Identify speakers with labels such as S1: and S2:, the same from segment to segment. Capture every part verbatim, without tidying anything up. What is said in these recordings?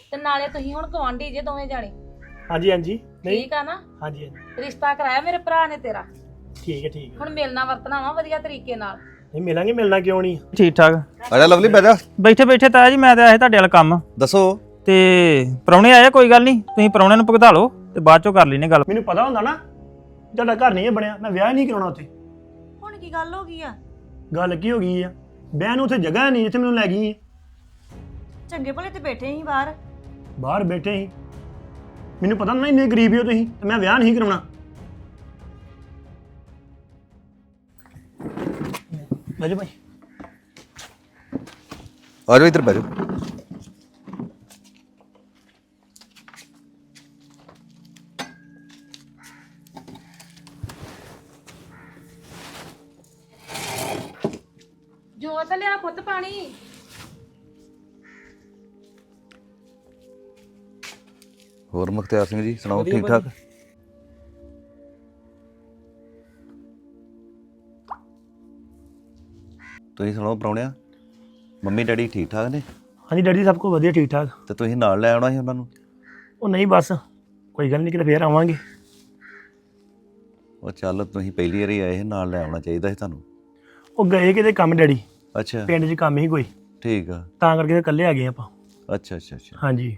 S1: ਤੇ ਨਾਲੇ ਤੁਸੀਂ ਹੁਣ ਗਵਾਂਢੀ ਜੇ ਦੋਵੇਂ ਜਾਣੇ।
S2: ਹਾਂਜੀ ਹਾਂਜੀ ਨਹੀਂ
S1: ਠੀਕ ਆ ਨਾ?
S2: ਹਾਂਜੀ ਹਾਂਜੀ
S1: ਰਿਸ਼ਤਾ ਕਰਾਇਆ ਮੇਰੇ ਭਰਾ ਨੇ ਤੇਰਾ,
S2: ਠੀਕ ਹੈ ਠੀਕ ਹੈ
S1: ਹੁਣ ਮਿਲਣਾ ਵਰਤਣਾ ਵਾ ਵਧੀਆ ਤਰੀਕੇ ਨਾਲ।
S2: ਨਹੀਂ ਮਿਲਾਂਗੇ, ਮਿਲਣਾ ਕਿਉਂ ਨਹੀਂ।
S3: ਠੀਕ ਠਾਕ
S4: ਆਜਾ ਲਵਲੀ ਬਹਿ ਜਾ।
S3: ਬੈਠੇ ਬੈਠੇ ਤਾਇਆ ਜੀ ਮੈਂ ਤਾਂ ਆਇਆ ਤੁਹਾਡੇ ਵਾਲਾ ਕੰਮ
S4: ਦੱਸੋ।
S3: ਤੇ ਪ੍ਰਾਹੁਣੇ ਆਏ ਕੋਈ ਗੱਲ ਨਹੀਂ, ਤੁਸੀਂ ਪ੍ਰਾਹੁਣਿਆਂ ਨੂੰ ਭੁਗਤਾ ਲਓ ਤੇ ਬਾਅਦ ਚੋਂ ਕਰ ਲੈਨੇ ਗੱਲ।
S2: ਮੈਨੂੰ ਪਤਾ ਹੁੰਦਾ ਨਾ ਤੁਹਾਡਾ ਘਰ ਨਹੀਂ ਹੈ ਬਣਿਆ, ਮੈਂ ਵਿਆਹ ਨਹੀਂ ਕਰਾਉਣਾ ਉੱਥੇ।
S5: ਹੁਣ ਕੀ ਗੱਲ ਹੋ ਗਈ ਆ?
S2: ਗੱਲ ਕੀ ਹੋ ਗਈ ਆ, ਵਿਆਹ ਨੂੰ ਉੱਥੇ ਜਗ੍ਹਾ ਨਹੀਂ ਜਿੱਥੇ ਮੈਨੂੰ ਲੈ ਗਈ ਹੈ।
S5: ਚੰਗੇ ਭਲੇ ਤੇ ਬੈਠੇ ਸੀ ਬਾਹਰ।
S2: ਬਾਹਰ ਬੈਠੇ ਸੀ, ਮੈਨੂੰ ਪਤਾ ਨਾ ਇੰਨੇ ਗਰੀਬ ਹੋ ਤੁਸੀਂ, ਤੇ ਮੈਂ ਵਿਆਹ ਨਹੀਂ ਕਰਾਉਣਾ। ਬੈਜੋ ਭਾਈ।
S4: ਆਜੋ ਇੱਧਰ ਬਹਿ ਜਾ।
S1: ਜੋਤ ਲਿਆ ਪੁੱਤ ਪਾਣੀ।
S4: ਹੋਰ ਮੁਖਤਿਆਰ ਸਿੰਘ ਜੀ ਸੁਣਾਓ, ਠੀਕ ਠਾਕ? ਤੁਸੀਂ ਸੁਣਾਓ ਪ੍ਰਾਹੁਣਿਆ, ਮੰਮੀ ਡੈਡੀ ਠੀਕ ਠਾਕ ਨੇ?
S2: ਹਾਂਜੀ ਡੈਡੀ ਸਭ ਕੁਝ ਵਧੀਆ ਠੀਕ ਠਾਕ।
S4: ਤੇ ਤੁਸੀਂ ਨਾਲ ਲੈ ਆਉਣਾ ਸੀ ਉਹਨਾਂ ਨੂੰ।
S2: ਉਹ ਨਹੀਂ ਬਸ ਕੋਈ ਗੱਲ ਨਹੀਂ, ਕਿਤੇ ਫੇਰ ਆਵਾਂਗੇ।
S4: ਉਹ ਚੱਲ ਤੁਸੀਂ ਪਹਿਲੀ ਵਾਰੀ ਆਏ ਸੀ, ਨਾਲ ਲੈ ਆਉਣਾ ਚਾਹੀਦਾ ਸੀ ਤੁਹਾਨੂੰ।
S2: ਉਹ ਗਏ ਕਿਤੇ ਕੰਮ ਡੈਡੀ,
S4: ਅੱਛਾ
S2: ਪਿੰਡ 'ਚ ਕੰਮ ਹੀ ਕੋਈ,
S4: ਠੀਕ ਆ।
S2: ਤਾਂ ਕਰਕੇ ਤੇ ਇਕੱਲੇ ਆ ਗਏ ਆਪਾਂ।
S4: ਅੱਛਾ ਅੱਛਾ ਅੱਛਾ
S2: ਹਾਂਜੀ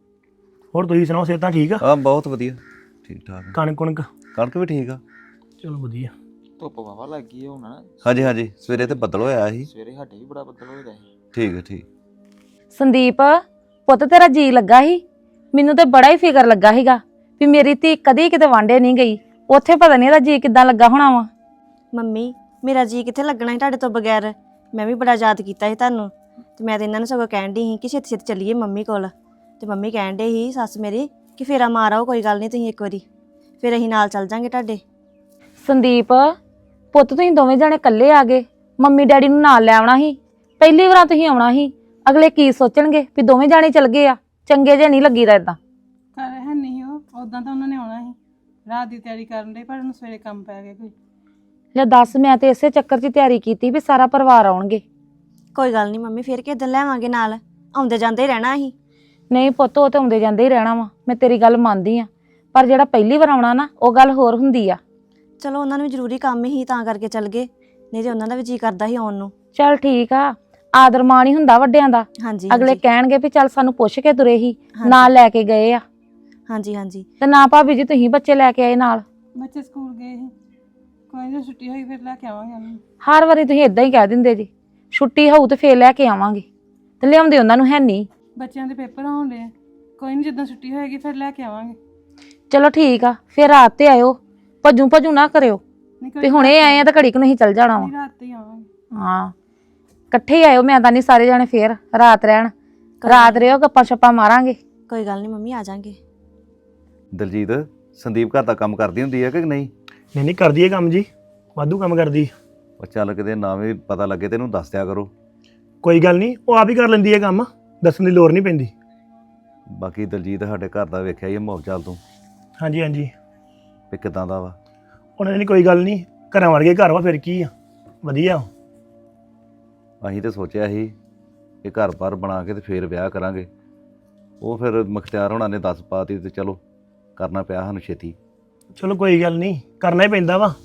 S2: ਹੋਰ ਤੁਸੀਂ ਸੁਣਾਓ, ਸਿਹਤਾਂ ਠੀਕ ਆ?
S4: ਹਾਂ ਬਹੁਤ ਵਧੀਆ, ਠੀਕ ਠਾਕ।
S2: ਕਣਕ ਕੁਣਕ
S4: ਕਣਕ ਵੀ ਠੀਕ ਆ।
S2: ਚਲੋ ਵਧੀਆ।
S6: ਧੁੱਪ ਵਾਵਾ ਲੱਗ ਗਈ ਹੁਣ।
S4: ਹਾਂਜੀ ਹਾਂਜੀ ਸਵੇਰੇ ਤੇ ਬੱਦਲ ਹੋਇਆ ਸੀ।
S6: ਸਵੇਰੇ ਸਾਡੇ ਵੀ ਬੜਾ ਬੱਦਲ ਹੋਇਆ ਸੀ।
S4: ਠੀਕ ਹੈ ਠੀਕ।
S1: ਸੰਦੀਪ ਪੁੱਤ ਤੇਰਾ ਜੀ ਲੱਗਾ ਸੀ, ਮੈਨੂੰ ਤੇ ਬੜਾ ਹੀ ਫਿਕਰ ਲੱਗਾ ਸੀਗਾ ਵੀ ਮੇਰੀ ਧੀ ਕਦੀ ਕਿਤੇ ਵਾਂਡੇ ਨਹੀਂ ਗਈ, ਉੱਥੇ ਪਤਾ ਨਹੀਂ ਇਹਦਾ ਜੀ ਕਿੱਦਾਂ ਲੱਗਾ ਹੋਣਾ ਵਾ।
S5: ਮੰਮੀ ਮੇਰਾ ਜੀ ਕਿੱਥੇ ਲੱਗਣਾ ਸੀ ਤੁਹਾਡੇ ਤੋਂ ਬਗੈਰ, ਮੈਂ ਵੀ ਬੜਾ ਯਾਦ ਕੀਤਾ ਸੀ ਤੁਹਾਨੂੰ। ਤੇ ਮੈਂ ਤਾਂ ਇਹਨਾਂ ਨੂੰ ਸਗੋਂ ਕਹਿਣ ਡਈ ਸੀ ਕਿ ਛੇਤੀ ਛੇਤੀ ਚੱਲੀਏ ਮੰਮੀ ਕੋਲ। ਤੇ ਮੰਮੀ ਕਹਿਣ ਡੇ ਸੀ ਸੱਸ ਮੇਰੀ ਕਿ ਫੇਰਾ ਮਾਰ ਆਓ, ਕੋਈ ਗੱਲ ਨਹੀਂ ਤੁਸੀਂ ਇੱਕ ਵਾਰੀ, ਫਿਰ ਅਸੀਂ ਨਾਲ ਚੱਲ ਜਾਾਂਗੇ ਤੁਹਾਡੇ।
S1: ਸੰਦੀਪ ਪੁੱਤ ਤੁਸੀਂ ਦੋਵੇਂ ਜਾਣੇ ਇਕੱਲੇ ਆ ਗਏ, ਮੰਮੀ ਡੈਡੀ ਨੂੰ ਨਾਲ ਲੈ ਆਉਣਾ ਸੀ। ਪਹਿਲੀ ਵਾਰ ਤੁਸੀਂ ਆਉਣਾ ਸੀ, ਅਗਲੇ ਕੀ ਸੋਚਣਗੇ ਵੀ ਦੋਵੇਂ ਜਾਣੇ ਚੱਲ ਗਏ ਆ, ਚੰਗੇ ਜੇ ਨਹੀਂ ਲੱਗੀਦਾ ਏਦਾਂ।
S7: ਘਰ ਹੈ ਨਹੀਂ ਉਹ, ਉਦਾਂ ਤਾਂ ਉਹਨਾਂ ਨੇ ਆਉਣਾ ਸੀ, ਰਾਤ ਦੀ ਤਿਆਰੀ ਕਰਨ ਦੇ, ਪਰ ਉਹਨੂੰ ਸਵੇਰੇ ਕੰਮ ਪੈ ਗਿਆ ਕੋਈ।
S1: ਲੈ ਦੱਸ, ਮੈਂ ਤੇ ਇਸੇ ਚੱਕਰ 'ਚ ਤਿਆਰੀ ਕੀਤੀ ਵੀ ਸਾਰਾ ਪਰਿਵਾਰ ਆਉਣਗੇ।
S5: ਕੋਈ ਗੱਲ ਨਹੀਂ ਮੰਮੀ, ਫਿਰ ਕਿਸ ਦਿਨ ਲੈਵਾਂਗੇ ਨਾਲ, ਆਉਂਦੇ ਜਾਂਦੇ ਹੀ ਰਹਿਣਾ ਅਸੀਂ।
S1: ਨਹੀਂ ਪੁੱਤ ਉਹ ਤੇ ਆਉਂਦੇ ਜਾਂਦੇ ਹੀ ਰਹਿਣਾ ਵਾ, ਮੈਂ ਤੇਰੀ ਗੱਲ ਮੰਨਦੀ ਆ, ਪਰ ਜਿਹੜਾ ਪਹਿਲੀ ਵਾਰ ਆਉਣਾ ਨਾ ਉਹ ਗੱਲ ਹੋਰ ਹੁੰਦੀ ਆ।
S5: ਚਲੋ ਉਹਨਾਂ ਨੂੰ ਵੀ ਜ਼ਰੂਰੀ ਕੰਮ ਹੀ ਤਾਂ ਕਰਕੇ ਚੱਲ ਗਏ, ਨਹੀਂ ਤੇ ਉਹਨਾਂ ਦਾ ਵੀ ਜੀ ਕਰਦਾ ਸੀ ਆਉਣ ਨੂੰ।
S1: ਚੱਲ ਠੀਕ ਆ, ਆਦਰ ਮਾਣ ਹੀ ਹੁੰਦਾ ਵੱਡਿਆਂ ਦਾ।
S5: ਹਾਂਜੀ
S1: ਅਗਲੇ
S5: ਹਾਂਜੀ
S1: ਕਹਿਣਗੇ ਵੀ ਚੱਲ ਸਾਨੂੰ ਪੁੱਛ ਕੇ ਤੁਰੇ ਹੀ,
S5: ਹਾਂਜੀ।
S1: ਨਾਲ ਲੈ ਕੇ ਗਏ ਆ।
S5: ਹਾਂਜੀ ਹਾਂਜੀ
S1: ਤੇ ਨਾ ਭਾਬੀ ਜੀ ਤੁਸੀਂ ਬੱਚੇ ਲੈ ਕੇ ਆਏ ਨਾਲ?
S7: ਬੱਚੇ ਸਕੂਲ ਗਏ ਸੀ, ਕੋਈ ਨਹੀਂ ਛੁੱਟੀ ਹੋਈ ਫਿਰ ਲੈ ਕੇ ਆਵਾਂਗੇ ਉਹਨੂੰ।
S1: ਹਰ ਵਾਰੀ ਤੁਸੀਂ ਇਦਾਂ ਹੀ ਕਹਿ ਦਿੰਦੇ ਜੀ, ਛੁੱਟੀ ਹੋਊ ਤੇ ਫੇਰ ਲੈ ਕੇ ਆਵਾਂਗੇ, ਤੇ ਲਿਆਉਂਦੇ ਉਹਨਾਂ ਨੂੰ ਹੈ ਨਹੀਂ।
S7: ਬੱਚਿਆਂ ਦੇ ਪੇਪਰ ਹੋਣ ਦੇ, ਕੋਈ ਨਹੀਂ ਜਦੋਂ ਛੁੱਟੀ ਹੋਏਗੀ ਫਿਰ ਲੈ ਕੇ ਆਵਾਂਗੇ।
S1: ਚਲੋ ਠੀਕ ਆ, ਫਿਰ ਰਾਤ ਤੇ ਆਇਓ, ਭੱਜੂ ਭੱਜੂ ਨਾ ਕਰਿਓ
S7: ਨਹੀਂ ਕੋਈ
S1: ਵੀ ਹੁਣੇ ਆਏ ਆ ਤਾਂ ਘੜੀ ਕੁ ਨਹੀਂ ਚੱਲ ਜਾਣਾ ਵਾ।
S7: ਨਹੀਂ, ਰਾਤ ਤੇ ਹੀ ਆਵਾਂਗੇ।
S1: ਹਾਂ ਇਕੱਠੇ ਹੀ ਆਇਓ, ਮੈਂ ਤਾਂ ਨਹੀਂ ਸਾਰੇ ਜਾਣੇ ਫੇਰ ਰਾਤ ਰਹਿਣ, ਰਾਤ ਰਿਓ ਗੱਪਾਂ ਛੱਪਾਂ ਮਾਰਾਂਗੇ।
S5: ਕੋਈ ਗੱਲ ਨਹੀਂ ਮੰਮੀ, ਆ ਜਾਾਂਗੇ।
S4: ਦਲਜੀਤ ਸੰਦੀਪ ਘਰ ਦਾ ਕੰਮ ਕਰਦੀ ਹੁੰਦੀ ਹੈ ਕਿ ਨਹੀਂ?
S2: ਨਹੀਂ ਨਹੀਂ ਕਰਦੀ ਹੈ ਕੰਮ ਜੀ, ਵਾਧੂ ਕੰਮ ਕਰਦੀ।
S4: ਉਹ ਚੱਲ ਕਿਤੇ ਨਾ ਵੀ ਪਤਾ ਲੱਗੇ ਤੈਨੂੰ ਦੱਸ ਦਿਆ ਕਰੋ।
S2: ਕੋਈ ਗੱਲ ਨਹੀਂ, ਉਹ ਆਪ ਹੀ ਕਰ ਲੈਂਦੀ ਹੈ ਕੰਮ, ਦੱਸਣ ਦੀ ਲੋੜ ਨਹੀਂ ਪੈਂਦੀ।
S4: ਬਾਕੀ ਦਲਜੀਤ ਸਾਡੇ ਘਰ ਦਾ ਵੇਖਿਆ ਹੀ ਮਾਹੌਲ ਚਾਲ ਤੂੰ
S2: ਹਾਂਜੀ ਹਾਂਜੀ
S4: ਵੀ ਕਿਦਾਂ ਦਾ ਵਾ।
S2: ਉਹਨਾਂ ਨੇ ਕੋਈ ਗੱਲ ਨਹੀਂ, ਘਰਾਂ ਵਰਗੇ ਘਰ ਵਾ, ਫਿਰ ਕੀ ਆ, ਵਧੀਆ।
S4: ਅਸੀਂ ਤੇ ਸੋਚਿਆ ਸੀ ਕਿ ਘਰ-ਬਾਰ ਬਣਾ ਕੇ ਤੇ ਫੇਰ ਵਿਆਹ ਕਰਾਂਗੇ, ਉਹ ਫਿਰ ਮੁਖਤਿਆਰ ਹੋਣਾ ਨੇ ਦੱਸ ਪਾਤੀ ਤੇ ਚਲੋ ਕਰਨਾ ਪਿਆ ਸਾਨੂੰ ਛੇਤੀ।
S2: ਚਲੋ ਕੋਈ ਗੱਲ ਨਹੀਂ, ਕਰਨਾ ਹੀ ਪੈਂਦਾ ਵਾ।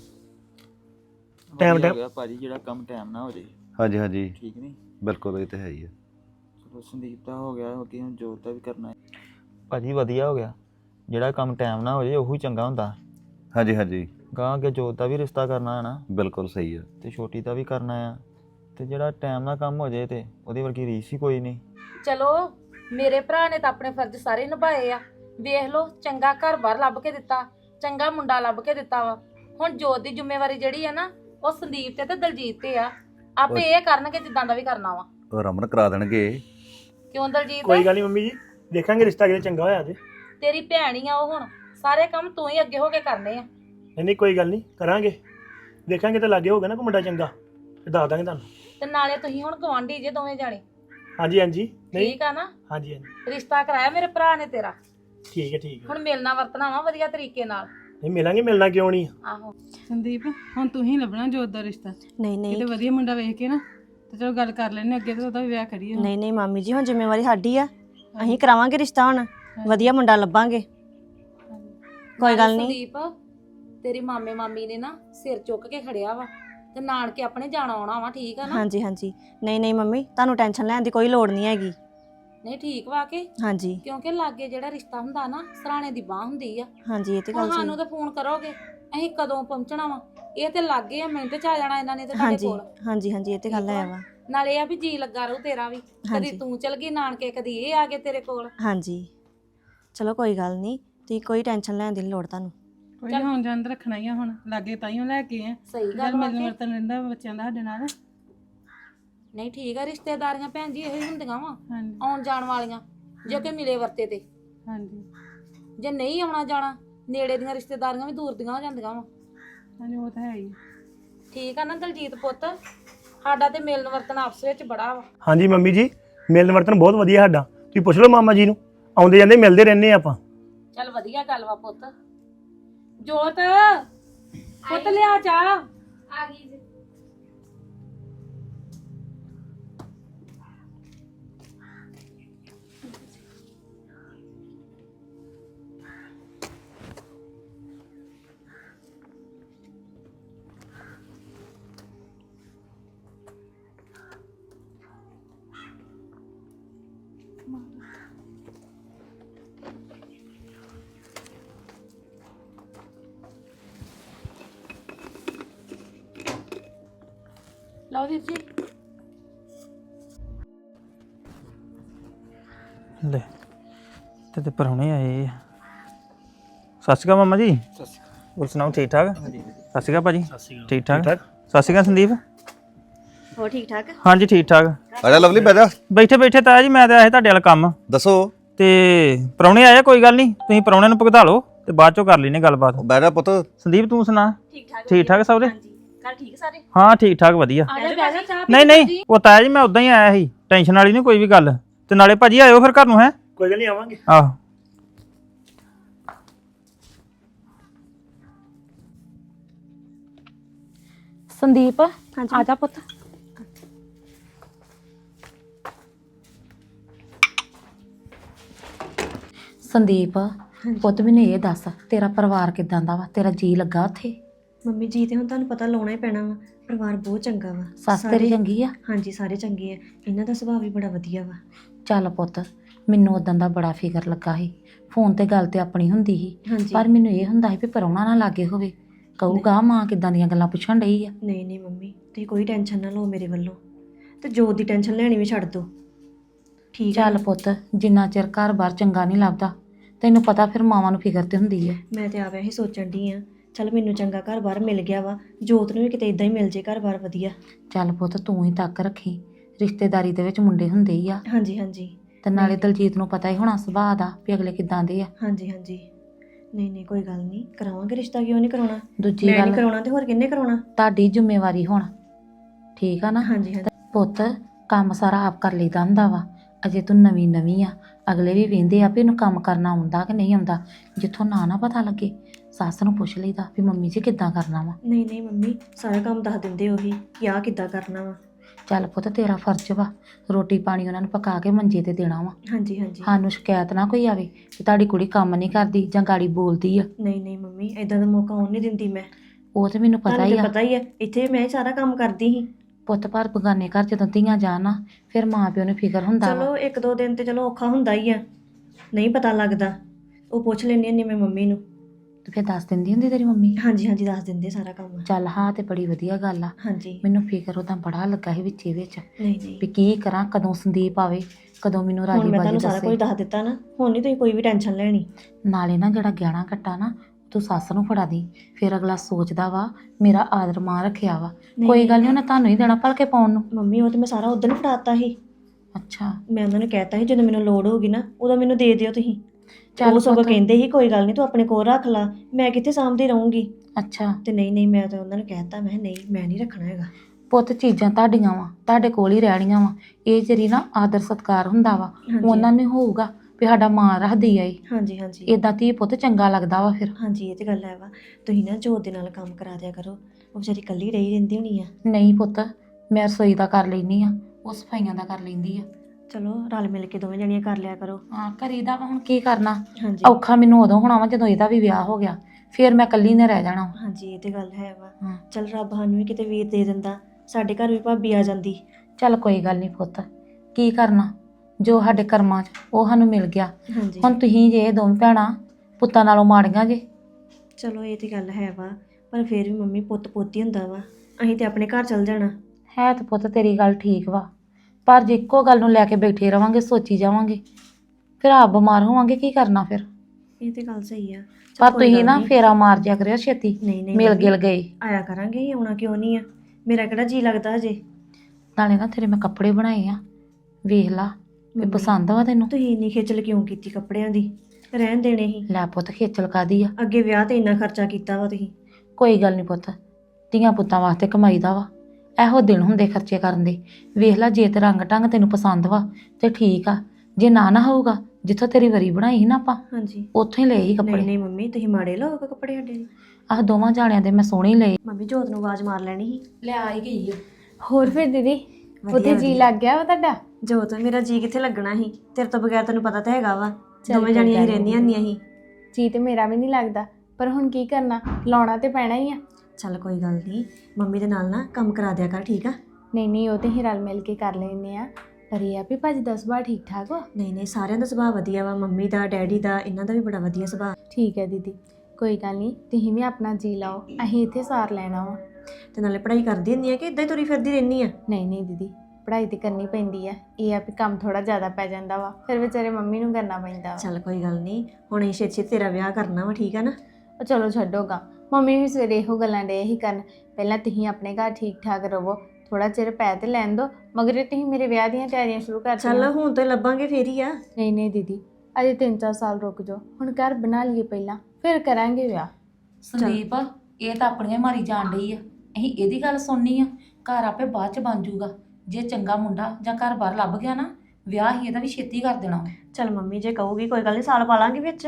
S2: ਟਾਈਮ
S6: ਵਧੀਆ
S2: ਟਾਈਮ
S6: ਹੋ ਗਿਆ ਭਾਜੀ, ਜਿਹੜਾ ਕੰਮ ਟਾਈਮ ਨਾ ਹੋ ਜੇ।
S4: ਹਾਂਜੀ ਹਾਂਜੀ
S6: ਠੀਕ ਨਹੀਂ?
S4: ਬਿਲਕੁਲ, ਇਹ ਤੇ ਹੈ ਹੀ ਆ।
S6: ਚਲੋ ਸੰਦੀਪ ਦਾ ਹੋ ਗਿਆ, ਅੱਗੇ ਹੁਣ ਜੋਤ ਦਾ ਵੀ ਕਰਨਾ ਹੈ।
S3: ਭਾਜੀ ਵਧੀਆ ਹੋ ਗਿਆ, ਜਿਹੜਾ ਕੰਮ ਟਾਈਮ ਨਾਲ ਹੋ ਜੇ ਉਹੀ ਚੰਗਾ ਹੁੰਦਾ।
S4: ਹਾਂਜੀ ਹਾਂਜੀ
S3: ਗਾਂ ਅੱਗੇ ਜੋਤ ਦਾ ਵੀ ਰਿਸ਼ਤਾ ਕਰਨਾ ਹੈ ਨਾ,
S4: ਬਿਲਕੁਲ ਸਹੀ ਆ।
S3: ਤੇ ਛੋਟੀ ਦਾ ਵੀ ਕਰਨਾ ਆ, ਤੇ ਜਿਹੜਾ ਟਾਈਮ ਨਾਲ ਕੰਮ ਹੋ ਜੇ ਤੇ ਉਹਦੀ ਵਰਗੀ ਰੀਸ ਹੀ ਕੋਈ ਨਹੀਂ।
S1: ਚਲੋ ਮੇਰੇ ਭਰਾ ਨੇ ਤਾਂ ਆਪਣੇ ਫਰਜ਼ ਸਾਰੇ ਨਿਭਾਏ ਆ, ਵੇਖ ਲਓ ਚੰਗਾ ਘਰ-ਬਾਰ ਲੱਭ ਕੇ ਦਿੱਤਾ, ਚੰਗਾ ਮੁੰਡਾ ਲੱਭ ਕੇ ਦਿੱਤਾ ਵਾ। ਹੁਣ ਜੋਤ ਦੀ ਜ਼ਿੰਮੇਵਾਰੀ ਜਿਹੜੀ ਆ ਨਾ ਉਹ ਸੰਦੀਪ ਤੇ ਤੇ ਦਲਜੀਤ ਤੇ ਆ, ਆਪੇ ਇਹ ਕਰਨਗੇ ਜਿੱਦਾਂ ਦਾ ਵੀ ਕਰਨਾ ਵਾ।
S4: ਉਹ ਰਮਨ ਕਰਾ ਦੇਣਗੇ।
S1: ਕਿਉਂ ਦਲਜੀਤ?
S2: ਕੋਈ ਗੱਲ ਨਹੀਂ ਮੰਮੀ ਜੀ, ਦੇਖਾਂਗੇ ਰਿਸ਼ਤਾ ਕਿਤੇ ਚੰਗਾ ਹੋਇਆ ਤੇ।
S1: ਤੇਰੀ ਭੈਣ ਹੀ ਆ ਉਹ, ਹੁਣ ਸਾਰੇ ਕੰਮ ਤੂੰ ਹੀ ਅੱਗੇ ਹੋ ਕੇ ਕਰਨੇ ਆ।
S2: ਨਹੀਂ ਨਹੀਂ ਕੋਈ ਗੱਲ ਨਹੀਂ, ਕਰਾਂਗੇ, ਦੇਖਾਂਗੇ ਤੇ ਲਾਗੇ ਹੋਗਾ ਨਾ ਕੋਈ ਮੁੰਡਾ ਚੰਗਾ ਤੇ ਦੱਸ ਦਾਂਗੇ ਤੁਹਾਨੂੰ।
S1: ਤੇ ਨਾਲੇ ਤੁਸੀਂ ਹੁਣ ਗਵਾਂਢੀ ਜੇ ਦੋਵੇਂ ਜਾਣੇ।
S2: ਹਾਂਜੀ ਹਾਂਜੀ ਨਹੀਂ
S1: ਠੀਕ ਆ ਨਾ?
S2: ਹਾਂਜੀ ਹਾਂਜੀ
S1: ਰਿਸ਼ਤਾ ਕਰਾਇਆ ਮੇਰੇ ਭਰਾ ਨੇ ਤੇਰਾ,
S2: ਠੀਕ ਹੈ ਠੀਕ ਹੈ।
S1: ਹੁਣ ਮਿਲਣਾ ਵਰਤਣਾ ਵਾ ਵਧੀਆ ਤਰੀਕੇ ਨਾਲ।
S2: ਨਹੀਂ ਮਿਲਾਂਗੇ, ਮਿਲਣਾ ਕਿਉਂ ਨਹੀਂ।
S1: ਆਹੋ
S7: ਸੰਦੀਪ ਹੁਣ ਤੂੰ ਹੀ ਲੱਭਣਾ ਜੋਤ ਦਾ ਰਿਸ਼ਤਾ,
S5: ਨਹੀਂ
S7: ਕਿਤੇ
S5: ਨਹੀਂ
S7: ਵਧੀਆ ਮੁੰਡਾ ਵੇਖ ਕੇ ਨਾ ਤੇ ਚਲੋ ਗੱਲ ਕਰ ਲੈਣੇ ਅੱਗੇ ਤੇ ਉਹਦਾ ਵੀ ਵਿਆਹ ਕਰੀਏ।
S5: ਨਹੀਂ ਨਹੀਂ ਮਾਮੀ ਜੀ, ਹੁਣ ਜ਼ਿੰਮੇਵਾਰੀ ਸਾਡੀ ਆ, ਅਸੀਂ ਕਰਾਵਾਂਗੇ ਰਿਸ਼ਤਾ ਹੁਣ ਵਧੀਆ ਮੁੰਡਾ ਲੱਭਾਂਗੇ। ਕੋਈ ਗੱਲ ਨਹੀਂ।
S1: ਸੰਦੀਪ ਤੇਰੀ ਮਾਮੇ ਮਾਮੀ ਨੇ ਨਾ ਸਿਰ ਚੁੱਕ ਕੇ ਖੜਿਆ ਵਾ ਤੇ ਨਾਨਕੇ ਆਪਣੇ ਜਾਣਾ ਆਉਣਾ ਵਾ, ਠੀਕ ਆ ਨਾ?
S5: ਹਾਂਜੀ ਹਾਂਜੀ ਨਹੀਂ ਨਹੀਂ ਮੰਮੀ ਤੁਹਾਨੂੰ ਟੈਨਸ਼ਨ ਲੈਣ ਦੀ ਕੋਈ ਲੋੜ ਨਹੀਂ ਹੈਗੀ।
S1: ਨਹੀਂ ਠੀਕ ਵਾ ਕੇ,
S5: ਹਾਂਜੀ
S1: ਕਿਉਂਕਿ ਲਾਗੇ ਜਿਹੜਾ ਰਿਸ਼ਤਾ ਹੁੰਦਾ ਨਾ ਸਰਾਣੇ ਦੀ ਬਾਹ ਹੁੰਦੀ ਆ।
S5: ਹਾਂਜੀ ਇਹ ਤੇ
S1: ਹੁਣ
S5: ਗੱਲ
S1: ਸਾਨੂੰ
S5: ਸਹੀ।
S1: ਤਾਂ ਫੋਨ ਕਰੋਗੇ ਅਸੀਂ ਕਦੋਂ ਪਹੁੰਚਣਾ ਵਾ? ਇਹ ਤੇ ਲਾਗੇ ਆ, ਮਿੰਟ ਚ ਆ ਜਾਣਾ ਇਹਨਾਂ ਨੇ ਤੇ ਤੁਹਾਡੇ
S5: ਹਾਂਜੀ
S1: ਕੋਲ।
S5: ਹਾਂਜੀ ਹਾਂਜੀ ਇਹ ਤੇ ਗੱਲ ਹੈ ਵਾ।
S1: ਨਾਲੇ ਇਹ ਆ ਵੀ ਜੀ ਲੱਗਾ ਰਹੂ ਤੇਰਾ ਵੀ, ਕਦੀ
S5: ਹਾਂਜੀ।
S1: ਤੂੰ ਚਲ ਗਈ ਨਾਨਕੇ, ਕਦੀ ਇਹ ਆ ਗਏ ਤੇਰੇ ਕੋਲ।
S5: ਹਾਂਜੀ ਚਲੋ ਕੋਈ ਗੱਲ ਨਹੀਂ, ਤੁਸੀਂ ਕੋਈ ਟੈਨਸ਼ਨ ਲੈਣ ਦੀ ਨੀ ਲੋੜ ਤੁਹਾਨੂੰ।
S7: ਕੋਈ ਨੀ, ਹੁਣ ਜਾਂਦ ਰੱਖਣਾ ਹੀ ਆ, ਹੁਣ ਲਾਗੇ ਤਾਈਓ ਲੈ ਕੇ ਆ।
S1: ਸਹੀ
S7: ਜਦ
S1: ਗੱਲ ਵਾ
S7: ਮਿਲਣ
S1: ਕਿ-
S7: ਵਰਤਨ ਰਹਿੰਦਾ ਬੱਚਿਆਂ ਦਾ ਸਾਡੇ ਨਾਲ।
S1: ਨਹੀਂ ਠੀਕ ਆ, ਰਿਸ਼ਤੇਦਾਰੀਆਂ ਭੈਣ ਜੀ ਇਹ ਹੁੰਦੀਆਂ ਵਾ
S7: ਹਾਂਜੀ
S1: ਆਉਣ ਜਾਣ ਵਾਲੀਆਂ, ਜੇ ਕੋਈ ਮਿਲੇ ਵਰਤੇ ਤੇ।
S7: ਹਾਂਜੀ
S1: ਜੇ ਨਹੀਂ ਆਉਣਾ ਜਾਣਾ, ਨੇੜੇ ਦੀਆਂ ਰਿਸ਼ਤੇਦਾਰੀਆਂ ਵੀ ਦੂਰ ਦੀਆਂ ਹੋ ਜਾਂਦੀਆਂ ਵਾ।
S7: ਹਾਂਜੀ ਉਹ ਤਾਂ ਹੈ ਹੀ।
S1: ਠੀਕ ਆ ਨਾ ਦਲਜੀਤ ਪੁੱਤ, ਸਾਡਾ ਤੇ ਮਿਲਣ ਵਰਤਨ ਆਪਸ ਵਿੱਚ ਬੜਾ ਵਾ।
S2: ਹਾਂਜੀ ਮੰਮੀ ਜੀ, ਮਿਲਣ ਵਰਤਨ ਬਹੁਤ ਵਧੀਆ ਸਾਡਾ। ਤੁਸੀਂ ਪੁੱਛ ਲਓ ਮਾਮਾ ਜੀ ਨੂੰ, ਆਉਂਦੇ ਜਾਂਦੇ ਮਿਲਦੇ ਰਹਿੰਦੇ ਆਪਾਂ।
S1: ਚੱਲ ਵਧੀਆ ਗੱਲ ਵਾ ਪੁੱਤ। ਜੋਤ ਪੁੱਤ ਲਿਆ ਚਾਹ। ਆ ਗਈ ਜੀ। ਲਓ ਵੀਰ ਜੀ।
S6: ਲੈ ਤੇ ਤੇ ਪਰਹੁਣੇ ਆਏ ਆ। ਸਤਿ ਸ਼੍ਰੀ ਅਕਾਲ ਮਾਮਾ ਜੀ। ਹੋਰ ਸੁਣਾਓ ਠੀਕ ਠਾਕ? ਸਤਿ ਸ਼੍ਰੀ ਅਕਾਲ ਭਾਜੀ। ਠੀਕ ਠਾਕ? ਸਤਿ ਸ਼੍ਰੀ ਅਕਾਲ ਸੰਦੀਪ।
S5: ਹੋਰ ਠੀਕ ਠਾਕ?
S6: ਹਾਂਜੀ ਠੀਕ ਠਾਕ।
S4: ਆਜਾ ਲਵਲੀ ਬਹਿ ਜਾ।
S6: ਬੈਠੇ ਬੈਠੇ ਤਾਇਆ ਜੀ ਮੈਂ ਤਾਂ ਆਇਆ ਸੀ ਤੁਹਾਡੇ ਵਾਲਾ ਕੰਮ
S4: ਦੱਸੋ।
S6: ਤੇ ਪਰਹੁਣੇ ਆਏ ਆ, ਕੋਈ ਗੱਲ ਨਹੀਂ ਤੁਸੀਂ ਪਰਹੁਣਿਆਂ ਨੂੰ ਭੁਗਤਾ ਲਓ ਤੇ ਬਾਅਦ ਚੋਂ ਕਰ ਲੈਨੇ ਗੱਲਬਾਤ।
S4: ਉਹ ਬਹਿ ਜਾ ਪੁੱਤ।
S6: ਸੰਦੀਪ ਤੂੰ ਸੁਣਾ?
S5: ਠੀਕ ਠਾਕ
S6: ਠੀਕ ਠਾਕ ਸਭ ਦੇ?
S5: ਹਾਂਜੀ ਘਰ ਠੀਕ ਸਾਰੇ?
S6: ਹਾਂ ਠੀਕ ਠਾਕ ਵਧੀਆ।
S1: ਆ ਜਾ ਬਹਿ ਜਾ ਚਾਹ ਪੀ
S6: ਨਹੀਂ ਨਹੀਂ
S1: ਜੀ।
S6: ਉਹ ਤਾਇਆ ਜੀ ਮੈਂ ਉਦਾਂ ਹੀ ਆਇਆ ਸੀ, ਟੈਨਸ਼ਨ ਵਾਲੀ ਨਹੀਂ ਕੋਈ ਵੀ ਗੱਲ। ਤੇ ਨਾਲੇ ਭਾਜੀ ਆਇਓ ਫਿਰ ਘਰ ਨੂੰ। ਹੈ
S2: ਕੋਈ ਗੱਲ ਨਹੀਂ, ਆਵਾਂਗੇ।
S6: ਆਹੋ
S1: ਸੰਦੀਪ
S5: ਹਾਂਜੀ।
S1: ਆ ਜਾ ਪੁੱਤ। ਸੰਦੀਪ ਪੁੱਤ ਮੈਨੂੰ ਇਹ ਦੱਸ, ਤੇਰਾ ਪਰਿਵਾਰ ਕਿਦਾਂ ਦਾ ਵਾ? ਤੇਰਾ ਜੀ ਲੱਗਾ ਉੱਥੇ?
S5: ਮੰਮੀ ਜੀ ਤੇ ਹੁਣ ਤੁਹਾਨੂੰ ਪਤਾ ਲਾਉਣਾ ਹੀ ਪੈਣਾ ਵਾ। ਪਰਿਵਾਰ ਬਹੁਤ ਚੰਗਾ ਵਾ।
S1: ਸੱਸ ਤੇਰੀ ਚੰਗੀ ਆ?
S5: ਹਾਂਜੀ ਸਾਰੇ ਚੰਗੇ ਆ। ਇਹਨਾਂ ਦਾ ਸੁਭਾਅ ਵੀ ਬੜਾ ਵਧੀਆ ਵਾ।
S1: ਚੱਲ ਪੁੱਤ, ਮੈਨੂੰ ਉਦੋਂ ਦਾ ਬੜਾ ਫਿਕਰ ਲੱਗਾ ਸੀ। ਫੋਨ ਤੇ ਗੱਲ ਤੇ ਆਪਣੀ ਹੁੰਦੀ ਸੀ,
S5: ਹਾਂਜੀ
S1: ਪਰ ਮੈਨੂੰ ਇਹ ਹੁੰਦਾ ਸੀ ਵੀ ਪ੍ਰਾਹੁਣਾ ਨਾ ਲਾਗੇ ਹੋਵੇ, ਕਹੂਗਾ ਮਾਂ ਕਿਦਾਂ ਦੀਆਂ ਗੱਲਾਂ ਪੁੱਛਣ ਡਈ ਆ।
S5: ਨਹੀਂ ਨਹੀਂ ਮੰਮੀ ਤੁਸੀਂ ਕੋਈ ਟੈਨਸ਼ਨ ਨਾ ਲਓ ਮੇਰੇ ਵੱਲੋਂ, ਤੇ ਜੋਤ ਦੀ ਟੈਨਸ਼ਨ ਲੈਣੀ ਵੀ ਛੱਡ ਦਿਓ। ਠੀਕ ਆ
S1: ਚੱਲ
S5: ਨਾ?
S1: ਪੁੱਤ, ਜਿੰਨਾ ਚਿਰ ਘਰ-ਬਾਰ ਚੰਗਾ ਨਹੀਂ ਲੱਭਦਾ, ਤੈਨੂੰ ਪਤਾ ਫਿਰ ਮਾਵਾਂ ਨੂੰ ਫਿਕਰ ਤੇ ਹੁੰਦੀ ਹੈ।
S5: ਮੈਂ ਤੇ ਆਪ ਇਹੀ ਸੋਚਣ ਡਈ ਆ, ਚੱਲ ਮੈਨੂੰ ਚੰਗਾ ਘਰ-ਬਾਰ ਮਿਲ ਗਿਆ ਵਾ, ਜੋਤ ਨੂੰ ਵੀ ਕਿਤੇ ਇਦਾਂ ਹੀ ਮਿਲ ਜੇ ਘਰ-ਬਾਰ ਵਧੀਆ।
S1: ਚੱਲ ਪੁੱਤ, ਤੂੰ ਹੀ ਤੱਕ ਰੱਖੀ, ਰਿਸ਼ਤੇਦਾਰੀ ਦੇ ਵਿੱਚ ਮੁੰਡੇ ਹੁੰਦੇ ਹੀ ਆ।
S5: ਹਾਂਜੀ ਹਾਂਜੀ
S1: ਤੇ ਨਾਲੇ ਦਲਜੀਤ ਨੂੰ ਪਤਾ ਹੀ ਹੋਣਾ ਸੁਭਾਅ ਦਾ ਵੀ ਅਗਲੇ ਕਿਦਾਂ ਦੇ ਆ।
S5: ਹਾਂਜੀ ਹਾਂਜੀ ਨਹੀਂ ਨਹੀਂ ਕੋਈ ਗੱਲ ਨਹੀਂ, ਕਰਾਵਾਂਗੇ ਰਿਸ਼ਤਾ, ਕਿਉਂ ਨਹੀਂ ਕਰਾਉਣਾ?
S1: ਦੂਜੀ
S5: ਮੈਂ ਨਹੀਂ
S1: ਗੱਲ,
S5: ਕਰਾਉਣਾ ਤੇ ਹੋਰ ਕਿਹਨੇ ਕਰਾਉਣਾ?
S1: ਤੁਹਾਡੀ ਜ਼ਿੰਮੇਵਾਰੀ ਹੁਣ, ਠੀਕ ਆ ਨਾ?
S5: ਹਾਂਜੀ ਹਾਂਜੀ
S1: ਪੁੱਤ, ਕੰਮ ਸਾਰਾ ਆਪ ਕਰ ਲਈਦਾ ਹੁੰਦਾ ਵਾ। ਅਜੇ ਤੂੰ ਨਵੀਂ ਨਵੀਂ ਆ, ਅਗਲੇ ਵੀ ਵੇਂਦੇ ਆ ਵੀ ਇਹਨੂੰ ਕੰਮ ਕਰਨਾ ਆਉਂਦਾ ਕਿ ਨਹੀਂ ਆਉਂਦਾ। ਜਿੱਥੋਂ ਨਾ ਨਾ ਪਤਾ ਲੱਗੇ, ਸੱਸ ਨੂੰ ਪੁੱਛ ਲਈਦਾ ਵੀ ਮੰਮੀ ਜੀ ਕਿੱਦਾਂ ਕਰਨਾ ਵਾ।
S5: ਨਹੀਂ ਨਹੀਂ ਮੰਮੀ ਸਾਰਾ ਕੰਮ ਦੱਸ ਦਿੰਦੇ ਉਹੀ ਕਿ ਆਹ ਕਿੱਦਾਂ ਕਰਨਾ ਵਾ।
S1: ਚੱਲ ਪੁੱਤ, ਤੇਰਾ ਫਰਜ਼ ਵਾ ਰੋਟੀ ਪਾਣੀ ਉਹਨਾਂ ਨੂੰ ਪਕਾ ਕੇ ਮੰਜੇ ਤੇ ਦੇਣਾ ਵਾ।
S5: ਹਾਂਜੀ ਹਾਂਜੀ
S1: ਸਾਨੂੰ ਸ਼ਿਕਾਇਤ ਨਾ ਕੋਈ ਆਵੇ ਕਿ ਤੁਹਾਡੀ ਕੁੜੀ ਕੰਮ ਨਹੀਂ ਕਰਦੀ ਜਾਂ ਗਾੜੀ ਬੋਲਦੀ ਆ।
S5: ਨਹੀਂ ਨਹੀਂ ਮੰਮੀ ਇਦਾਂ ਦਾ ਮੌਕਾ ਆਉਣ ਨਹੀਂ ਦਿੰਦੀ ਮੈਂ।
S1: ਉਹ ਤੇ ਮੈਨੂੰ ਪਤਾ
S5: ਤੁਹਾਨੂੰ
S1: ਹੀ
S5: ਤਾਂ
S1: ਆ
S5: ਪਤਾ ਹੀ ਆ, ਇੱਥੇ ਮੈਂ ਹੀ ਸਾਰਾ ਕੰਮ ਕਰਦੀ ਸੀ।
S1: ਪੁੱਤ, ਪਰ ਬਗਾਨੇ ਘਰ ਜਦੋਂ ਧੀਆਂ ਜਾਣ ਨਾ, ਫਿਰ ਮਾਂ ਪਿਓ ਨੂੰ ਫਿਕਰ ਹੁੰਦਾ ਵਾ।
S5: ਚਲੋ ਇੱਕ ਦੋ ਦਿਨ ਤੇ ਚਲੋ ਔਖਾ ਹੁੰਦਾ ਹੀ ਆ, ਨਹੀਂ ਪਤਾ ਲੱਗਦਾ। ਉਹ ਪੁੱਛ ਲੈਂਦੀ ਹੁੰਦੀ ਮੈਂ ਮੰਮੀ ਨੂੰ।
S1: ਤੇ ਫਿਰ ਦੱਸ ਦਿੰਦੀ ਹੁੰਦੀ ਤੇਰੀ ਮੰਮੀ?
S5: ਹਾਂਜੀ ਹਾਂਜੀ ਦੱਸ ਦਿੰਦੇ ਸਾਰਾ ਕੰਮ।
S1: ਚੱਲ ਹਾਂ, ਤੇ ਬੜੀ ਵਧੀਆ ਗੱਲ ਆ।
S5: ਹਾਂਜੀ
S1: ਮੈਨੂੰ ਫਿਕਰ ਉਹਦਾ ਬੜਾ ਲੱਗਾ ਸੀ ਵਿੱਚੇ ਵਿੱਚ
S5: ਨਹੀਂ ਨਹੀਂ
S1: ਵੀ ਕੀ ਕਰਾਂ, ਕਦੋਂ ਸੰਦੀਪ ਆਵੇ, ਕਦੋਂ ਮੈਨੂੰ
S5: ਹੁਣ
S1: ਰਾਜੀ
S5: ਮੈਂ
S1: ਬਾਜੀ
S5: ਤੁਹਾਨੂੰ ਸਾਰਾ ਕੁਝ
S1: ਦੱਸੇ।
S5: ਦੱਸ ਦਿੱਤਾ ਨਾ, ਹੁਣ ਨਹੀਂ ਤੁਸੀਂ ਕੋਈ ਵੀ ਟੈਨਸ਼ਨ ਲੈਣੀ।
S1: ਨਾਲੇ ਨਾ ਜਿਹੜਾ ਗਹਿਣਾ ਕੱਟਾ ਨਾ, ਤੂੰ ਸੱਸ ਨੂੰ ਫੜਾ ਦੀ, ਫਿਰ ਅਗਲਾ ਸੋਚਦਾ ਵਾ ਮੇਰਾ ਆਦਰ ਮਾਂ ਰੱਖਿਆ ਵਾ।
S5: ਨਹੀਂ,
S1: ਕੋਈ ਗੱਲ ਨਹੀਂ, ਉਹਨੇ ਤੁਹਾਨੂੰ ਹੀ ਦੇਣਾ ਭਲਕੇ ਪਾਉਣ ਨੂੰ।
S5: ਮੰਮੀ ਉਹ ਤੇ ਮੈਂ ਸਾਰਾ ਉਦੋਂ ਹੀ ਫੜਾਤਾ ਸੀ।
S1: ਅੱਛਾ
S5: ਮੈਂ ਉਹਨਾਂ ਨੂੰ ਕਹਿਤਾ ਸੀ ਜਦੋਂ ਮੈਨੂੰ ਲੋੜ ਹੋਊਗੀ ਨਾ ਉਦੋਂ ਮੈਨੂੰ ਦੇ ਦਿਓ ਤੁਸੀਂ।
S1: ਚੱਲ
S5: ਉਹ ਸਗੋਂ
S1: ਪੁੱਤ।
S5: ਕਹਿੰਦੇ ਸੀ ਕੋਈ ਗੱਲ ਨਹੀਂ ਤੂੰ ਆਪਣੇ ਕੋਲ ਰੱਖ ਲਾ, ਮੈਂ ਕਿੱਥੇ ਸਾਂਭਦੀ ਰਹੂੰਗੀ।
S1: ਅੱਛਾ
S5: ਤੇ ਨਹੀਂ ਨਹੀਂ ਮੈਂ ਤਾਂ ਉਹਨਾਂ ਨੂੰ ਕਹਿਤਾ, ਮੈਂ ਕਿਹਾ ਨਹੀਂ ਮੈਂ ਨਹੀਂ ਰੱਖਣਾ ਹੈਗਾ।
S1: ਪੁੱਤ, ਚੀਜ਼ਾਂ ਤੁਹਾਡੀਆਂ ਵਾ, ਤੁਹਾਡੇ ਕੋਲ ਹੀ ਰਹਿਣੀਆਂ ਵਾ। ਇਹ ਜਿਹੜੀ ਨਾ ਆਦਰ ਸਤਿਕਾਰ ਹੁੰਦਾ ਵਾ,
S5: ਹਾਂਜੀ।
S1: ਉਹਨਾਂ ਨੂੰ ਹੋਊਗਾ ਵੀ ਸਾਡਾ ਮਾਂ ਰੱਖਦੀ ਆ। ਇਹ
S5: ਹਾਂਜੀ ਹਾਂਜੀ
S1: ਇਦਾਂ ਧੀ ਪੁੱਤ ਚੰਗਾ ਲੱਗਦਾ ਵਾ ਫਿਰ।
S5: ਹਾਂਜੀ ਇਹ ਤੇ ਗੱਲ ਹੈ ਵਾ। ਤੁਸੀਂ ਨਾ ਜੋਤ ਦੇ ਨਾਲ ਕੰਮ ਕਰਾ ਦਿਆ ਕਰੋ, ਉਹ ਵਿਚਾਰੀ ਇਕੱਲੀ ਰਹੀ ਰਹਿੰਦੀ ਹੋਣੀ ਆ।
S1: ਨਹੀਂ ਪੁੱਤ, ਮੈਂ ਰਸੋਈ ਦਾ ਕਰ ਲੈਂਦੀ ਆ, ਉਹ ਸਫਾਈਆਂ ਦਾ ਕਰ ਲੈਂਦੀ ਆ।
S5: ਚਲੋ ਰਲ ਮਿਲ ਕੇ ਦੋਵੇਂ ਜਣੀਆਂ ਕਰ ਲਿਆ ਕਰੋ।
S1: ਹਾਂ ਕਰੀਦਾ ਵਾ, ਹੁਣ ਕੀ ਕਰਨਾ।
S5: ਹਾਂਜੀ
S1: ਔਖਾ ਮੈਨੂੰ ਉਦੋਂ ਹੋਣਾ ਵਾ ਜਦੋਂ ਇਹਦਾ ਵੀ ਵਿਆਹ ਹੋ ਗਿਆ, ਫੇਰ ਮੈਂ ਇਕੱਲੀ ਨੇ ਰਹਿ ਜਾਣਾ ਵਾ।
S5: ਹਾਂਜੀ ਇਹ ਤੇ ਗੱਲ ਹੈ ਵਾ।
S1: ਹਾਂ।
S5: ਚਲ ਰੱਬ ਸਾਨੂੰ ਵੀ ਕਿਤੇ ਵੀਰ ਦੇ ਦਿੰਦਾ, ਸਾਡੇ ਘਰ ਵੀ ਭਾਬੀ ਆ ਜਾਂਦੀ।
S1: ਚੱਲ ਕੋਈ ਗੱਲ ਨਹੀਂ ਪੁੱਤ, ਕੀ ਕਰਨਾ, ਜੋ ਸਾਡੇ ਕਰਮਾਂ 'ਚ ਉਹ ਸਾਨੂੰ ਮਿਲ ਗਿਆ।
S5: ਹਾਂਜੀ
S1: ਹੁਣ ਤੁਸੀਂ ਜੇ ਇਹ ਦੋਵੇਂ ਭੈਣਾਂ ਪੁੱਤਾਂ ਨਾਲੋਂ ਮਾੜੀਆਂ ਜੇ।
S5: ਚਲੋ ਇਹ ਤੇ ਗੱਲ ਹੈ ਵਾ, ਪਰ ਫਿਰ ਵੀ ਮੰਮੀ ਪੁੱਤ ਪੋਤੀ ਹੁੰਦਾ ਵਾ, ਅਸੀਂ ਤੇ ਆਪਣੇ ਘਰ ਚਲ ਜਾਣਾ।
S1: ਹੈ ਤਾਂ ਪੁੱਤ ਤੇਰੀ ਗੱਲ ਠੀਕ ਵਾ, ਪਰ ਜੇ ਇੱਕੋ ਗੱਲ ਨੂੰ ਲੈ ਕੇ ਬੈਠੇ ਰਵਾਂਗੇ, ਸੋਚੀ ਜਾਵਾਂਗੇ, ਫਿਰ ਆਪ ਬਿਮਾਰ ਹੋਵਾਂਗੇ, ਕੀ ਕਰਨਾ ਫਿਰ।
S5: ਇਹ ਤੇ ਗੱਲ ਸਹੀ ਆ। ਚੱਲ
S1: ਪਰ
S5: ਕੋਈ
S1: ਤੁਸੀਂ
S5: ਗੱਲ
S1: ਨਾ
S5: ਨੀ।
S1: ਫੇਰਾ ਮਾਰ ਜਾ ਕਰਿਓ ਛੇਤੀ,
S5: ਨਹੀਂ ਨਹੀਂ
S1: ਮਿਲ
S5: ਮੰਮੀ,
S1: ਗਿਲ ਗਏ।
S5: ਆਇਆ ਕਰਾਂਗੇ ਹੀ, ਆਉਣਾ ਕਿਉਂ ਨਹੀਂ ਆ, ਮੇਰਾ ਕਿਹੜਾ ਜੀ ਲੱਗਦਾ ਹਜੇ।
S1: ਨਾਲੇ ਨਾ ਤੇਰੇ ਮੈਂ ਕੱਪੜੇ ਬਣਾਏ ਆ, ਵੇਖ ਲਾ ਵੀ
S5: ਮੰਮੀ,
S1: ਪਸੰਦ ਵਾ ਤੈਨੂੰ।
S5: ਤੁਸੀਂ ਇੰਨੀ ਖੇਚਲ ਕਿਉਂ ਕੀਤੀ ਕੱਪੜਿਆਂ ਦੀ, ਰਹਿਣ ਦੇਣੇ ਸੀ।
S1: ਲੈ ਪੁੱਤ ਖੇਚਲ ਕਾਦੀ ਆ,
S5: ਅੱਗੇ ਵਿਆਹ ਤੇ ਇੰਨਾ ਖਰਚਾ ਕੀਤਾ ਵਾ ਤੁਸੀਂ।
S1: ਕੋਈ ਗੱਲ ਨਹੀਂ ਪੁੱਤ, ਧੀਆਂ ਪੁੱਤਾਂ ਵਾਸਤੇ ਕਮਾਈਦਾ ਵਾ, ਇਹੋ ਦਿਨ ਹੁੰਦੇ ਖਰਚੇ ਕਰਨ ਦੇ। ਵੇਖ ਲੈ ਜੇ ਤੇ ਰੰਗ ਢੰਗ ਤੈਨੂੰ ਪਸੰਦ ਵਾ ਤੇ ਠੀਕ ਆ, ਜੇ ਨਾ ਨਾ ਹੋਊਗਾ, ਜਿੱਥੋਂ ਤੇਰੀ ਵਰੀ ਬਣਾਈ ਸੀ ਨਾ ਆਪਾਂ,
S5: ਹਾਂਜੀ
S1: ਉੱਥੋਂ ਹੀ ਲਏ ਸੀ
S5: ਨਹੀਂ
S1: ਕੱਪੜੇ।
S5: ਨਹੀਂ ਮੰਮੀ, ਤੁਸੀਂ ਮਾੜੇ ਲੋਕ ਕੱਪੜੇ ਸਾਡੇ।
S1: ਆਹ ਦੋਵਾਂ ਜਾਣਿਆਂ ਦੇ ਮੈਂ ਸੋਹਣੇ ਲਏ।
S5: ਮੰਮੀ ਜੋਤ ਨੂੰ ਆਵਾਜ਼ ਮਾਰ ਲੈਣੀ ਸੀ।
S1: ਲੈ ਆਈ ਗਈ ਆ।
S8: ਹੋਰ ਫਿਰ ਦੀਦੀ
S5: ਵਧੀਆ,
S8: ਉੱਥੇ ਜੀ
S5: ਵਧੀਆ।
S8: ਲੱਗ ਗਿਆ ਵਾ ਤੁਹਾਡਾ?
S5: ਜੋਤ ਮੇਰਾ ਜੀ ਕਿੱਥੇ ਲੱਗਣਾ ਸੀ, ਤੇਰੇ ਤੋਂ ਬਗੈਰ ਤੈਨੂੰ ਪਤਾ ਤਾਂ ਹੈਗਾ ਵਾ,
S8: ਚੱਲ
S5: ਦੋਵੇਂ
S8: ਕੋਈ
S5: ਜਣੀਆਂ ਹੀ
S8: ਗੱਲ
S5: ਰਹਿੰਦੀਆਂ
S8: ਨੀ।
S5: ਹੁੰਦੀਆਂ ਸੀ।
S8: ਜੀ ਤੇ ਮੇਰਾ ਵੀ ਨਹੀਂ ਲੱਗਦਾ, ਪਰ ਹੁਣ ਕੀ ਕਰਨਾ, ਲਾਉਣਾ ਤੇ ਪੈਣਾ ਹੀ ਆ।
S5: ਚੱਲ ਕੋਈ ਗੱਲ ਨਹੀਂ, ਮੰਮੀ ਦੇ ਨਾਲ ਨਾ ਕੰਮ ਕਰਾ ਦਿਆ ਕਰ, ਠੀਕ ਆ।
S8: ਨਹੀਂ ਨਹੀਂ ਉਹ ਤੇ ਹੀ ਰਲ ਮਿਲ ਕੇ ਕਰ ਲੈਨੇ ਆ, ਪਰ ਇਹ ਆ ਵੀ ਭਾਜੀ ਦਾ ਸੁਭਾਅ ਠੀਕ ਠਾਕ ਵਾ।
S5: ਨਹੀਂ ਨਹੀਂ ਸਾਰਿਆਂ ਦਾ ਸੁਭਾਅ ਵਧੀਆ ਵਾ, ਮੰਮੀ ਦਾ ਡੈਡੀ ਦਾ, ਇਹਨਾਂ ਦਾ ਵੀ ਬੜਾ ਵਧੀਆ ਸੁਭਾਅ।
S8: ਠੀਕ ਹੈ ਦੀਦੀ, ਕੋਈ ਗੱਲ ਨਹੀਂ, ਤੁਸੀਂ ਵੀ ਆਪਣਾ ਜੀ ਲਾਓ, ਅਸੀਂ ਇੱਥੇ ਸਾਰ ਲੈਣਾ ਵਾ।
S5: ਤੇ ਨਾਲੇ ਪੜ੍ਹਾਈ ਕਰਦੀ ਹੁੰਦੀ ਆ ਕਿ ਇਦਾਂ ਹੀ ਤੁਰੀ ਫਿਰਦੀ ਰਹਿੰਦੀ ਆ?
S8: ਨਹੀਂ ਨਹੀਂ ਦੀਦੀ, ਪੜ੍ਹਾਈ ਤੇ ਕਰਨੀ ਪੈਂਦੀ ਆ, ਇਹ ਆ ਵੀ ਕੰਮ ਥੋੜਾ ਜ਼ਿਆਦਾ ਪੈ ਜਾਂਦਾ ਵਾ, ਫਿਰ ਵਿਚਾਰੇ ਮੰਮੀ ਨੂੰ ਕਰਨਾ ਪੈਂਦਾ ਵਾ।
S5: ਚੱਲ ਕੋਈ ਗੱਲ ਨਹੀਂ, ਹੁਣ ਅਸੀਂ ਛੇਤੀ ਛੇਤੀ ਤੇਰਾ ਵਿਆਹ ਕਰਨਾ ਵਾ, ਠੀਕ ਆ ਨਾ।
S8: ਉਹ ਚਲੋ ਛੱਡੋਗਾ, ਮੰਮੀ ਵੀ ਸਵੇਰੇ ਇਹੋ ਗੱਲਾਂ ਡੇ ਹੀ ਕਰਨ, ਪਹਿਲਾਂ ਤੁਸੀਂ ਆਪਣੇ ਘਰ ਠੀਕ ਠਾਕ ਰਹੋ, ਥੋੜਾ ਚਿਰ ਪੈ ਤੇ ਲੈਣ ਦੋ, ਮਗਰ ਤੁਸੀਂ ਮੇਰੇ ਵਿਆਹ ਦੀਆਂ ਤਿਆਰੀਆਂ ਸ਼ੁਰੂ ਕਰ
S5: ਚੱਲ
S8: ਦਿਓ।
S5: ਹੁਣ ਤੋਂ ਲੱਭਾਂਗੇ ਫੇਰ ਹੀ ਆ।
S8: ਨਹੀਂ ਨਹੀਂ ਦੀਦੀ, ਅਜੇ ਤਿੰਨ ਚਾਰ ਸਾਲ ਰੁਕ ਜਾਓ, ਹੁਣ ਘਰ ਬਣਾ ਲਈਏ ਪਹਿਲਾਂ, ਫਿਰ ਕਰਾਂਗੇ ਵਿਆਹ।
S1: ਸੰਦੀਪ ਇਹ ਤਾਂ ਆਪਣੀਆਂ ਮਾਰੀ ਜਾਣ ਡਈ ਆ, ਅਸੀਂ ਇਹਦੀ ਗੱਲ ਸੁਣਨੀ ਆ, ਘਰ ਆਪੇ ਬਾਅਦ ਚ ਬਣ ਜੂਗਾ। ਜੇ ਚੰਗਾ ਮੁੰਡਾ ਜਾਂ ਘਰ ਬਾਹਰ ਲੱਭ ਗਿਆ ਨਾ, ਵਿਆਹ ਹੀ ਇਹਦਾ ਵੀ ਛੇਤੀ ਕਰ ਦੇਣਾ।
S5: ਚੱਲ ਮੰਮੀ ਜੇ ਕਹੂਗੀ ਕੋਈ ਗੱਲ ਨਹੀਂ, ਸਾਲ ਪਾ ਲਾਂਗੇ ਵਿੱਚ।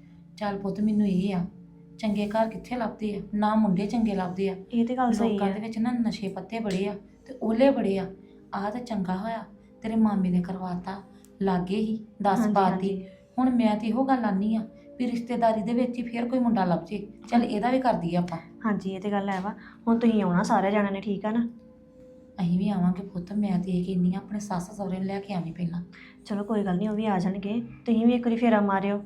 S1: ਚੱਲ ਪੁੱਤ ਮੈਨੂੰ ਇਹ ਆ, ਚੰਗੇ ਘਰ ਕਿੱਥੇ ਲੱਭਦੇ ਆ, ਨਾ ਮੁੰਡੇ ਚੰਗੇ ਲੱਭਦੇ ਆ।
S5: ਇਹ ਤੇ ਗੱਲ ਸਹੀ
S1: ਲੋਕਾਂ ਦੇ
S5: ਹੈ।
S1: ਵਿੱਚ ਨਾ ਨਸ਼ੇ ਪੱਤੇ ਬੜੇ ਆ ਤੇ ਓਲੇ ਬੜੇ ਆ। ਆਹ ਤਾਂ ਚੰਗਾ ਹੋਇਆ ਤੇਰੇ ਮਾਮੇ ਨੇ ਕਰਵਾਤਾ, ਲਾਗੇ ਹੀ ਦਸ
S5: ਹਾਂਜੀ,
S1: ਪਾਤੀ।
S5: ਹਾਂਜੀ।
S1: ਹੁਣ ਮੈਂ ਤੇ ਇਹੋ ਗੱਲ ਆਨੀ ਆ ਵੀ ਰਿਸ਼ਤੇਦਾਰੀ ਦੇ ਵਿੱਚ ਹੀ ਫੇਰ ਕੋਈ ਮੁੰਡਾ ਲੱਭ ਜੇ, ਚੱਲ ਇਹਦਾ ਵੀ ਕਰਦੀ ਆ ਆਪਾਂ।
S5: ਹਾਂਜੀ ਇਹ ਤੇ ਗੱਲ ਹੈ ਵਾ, ਹੁਣ ਤੁਸੀਂ ਆਉਣਾ ਸਾਰੇ ਜਾਣਿਆਂ ਨੇ, ਠੀਕ ਆ ਨਾ।
S1: ਅਸੀਂ ਵੀ ਆਵਾਂਗੇ ਪੁੱਤ, ਮੈਂ ਤੇ ਇਹ ਕਹਿੰਦੀ ਆ ਆਪਣੇ ਸੱਸ ਸਹੁਰੇ ਨੂੰ ਲੈ ਕੇ ਆਵੀਂ ਪਹਿਲਾਂ।
S5: ਚਲੋ ਕੋਈ ਗੱਲ ਨਹੀਂ, ਉਹ ਵੀ ਆ ਜਾਣਗੇ, ਤੁਸੀਂ ਵੀ ਇੱਕ ਵਾਰੀ ਫੇਰਾ ਮਾਰਿਓ,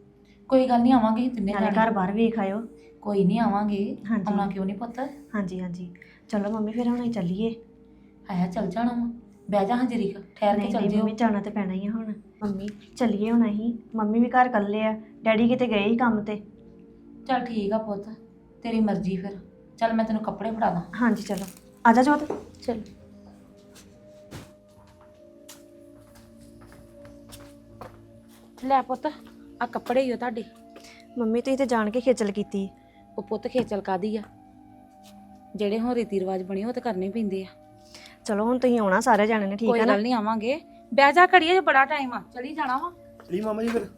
S1: ਕੋਈ ਗੱਲ ਨਹੀਂ, ਆਵਾਂਗੇ ਅਸੀਂ ਤਿੰਨੇ
S5: ਨਾਲੇ
S1: ਜਾਣੇ।
S5: ਘਰ ਬਾਹਰ ਵੇਖ ਆਇਓ।
S1: ਕੋਈ ਨਹੀਂ ਆਵਾਂਗੇ,
S5: ਹਾਂਜੀ।
S1: ਆਉਣਾ ਕਿਉਂ ਨਹੀਂ ਪੁੱਤ।
S5: ਹਾਂਜੀ ਹਾਂਜੀ ਚਲੋ ਮੰਮੀ ਫਿਰ ਹੁਣ ਅਸੀਂ ਚੱਲੀਏ।
S1: ਆਇਆ ਚੱਲ ਜਾਣਾ ਵਾ, ਬਹਿ ਜਾ ਹਜਰੀ ਠਹਿਰ ਕੇ
S5: ਨਹੀਂ
S1: ਚੱਲ
S5: ਨਹੀਂ
S1: ਜਿਓ।
S5: ਮੰਮੀ ਜਾਣਾ ਤੇ ਪੈਣਾ ਹੀ ਆ ਹੁਣ। ਮੰਮੀ ਚੱਲੀਏ ਹੁਣ ਅਸੀਂ, ਮੰਮੀ ਵੀ ਘਰ ਇਕੱਲੇ ਆ, ਡੈਡੀ ਕਿਤੇ ਗਏ ਹੀ ਕੰਮ ਤੇ।
S1: ਚੱਲ ਠੀਕ ਆ ਪੁੱਤ, ਤੇਰੀ ਮਰਜ਼ੀ ਫਿਰ। ਚੱਲ ਮੈਂ ਤੈਨੂੰ ਕੱਪੜੇ ਫੜਾ ਦਾਂ।
S5: ਹਾਂਜੀ ਚਲੋ ਆ ਜਾ ਜੋਤ।
S8: ਚਲੋ
S1: ਲੈ ਪੁੱਤ ਆ ਕੱਪੜੇ ਹੀ ਆ ਤੁਹਾਡੇ।
S5: ਮੰਮੀ ਤੁਸੀਂ ਤੇ ਜਾਣ ਕੇ ਖੇਚਲ ਕੀਤੀ।
S1: ਉਹ ਪੁੱਤ ਖੇਚਲ ਕਾਦੀ ਆ, ਜਿਹੜੇ ਹੁਣ ਰੀਤੀ ਰਿਵਾਜ ਬਣੇ ਉਹ ਤਾਂ ਕਰਨੇ ਪੈਂਦੇ ਆ।
S5: ਚਲੋ ਹੁਣ ਤੁਸੀਂ ਆਉਣਾ ਸਾਰੇ ਜਾਣੇ ਨੇ, ਠੀਕ
S1: ਕੋਈ
S5: ਹੈ ਨਾ।
S1: ਗੱਲ ਨਹੀਂ, ਆਵਾਂਗੇ। ਬਹਿ ਜਾ ਘੜੀਏ, ਜੇ ਬੜਾ ਟਾਈਮ ਆ, ਚਲੀ ਜਾਣਾ ਵਾ।
S2: ਚਲੀ ਮਾਮਾ ਜੀ ਫਿਰ।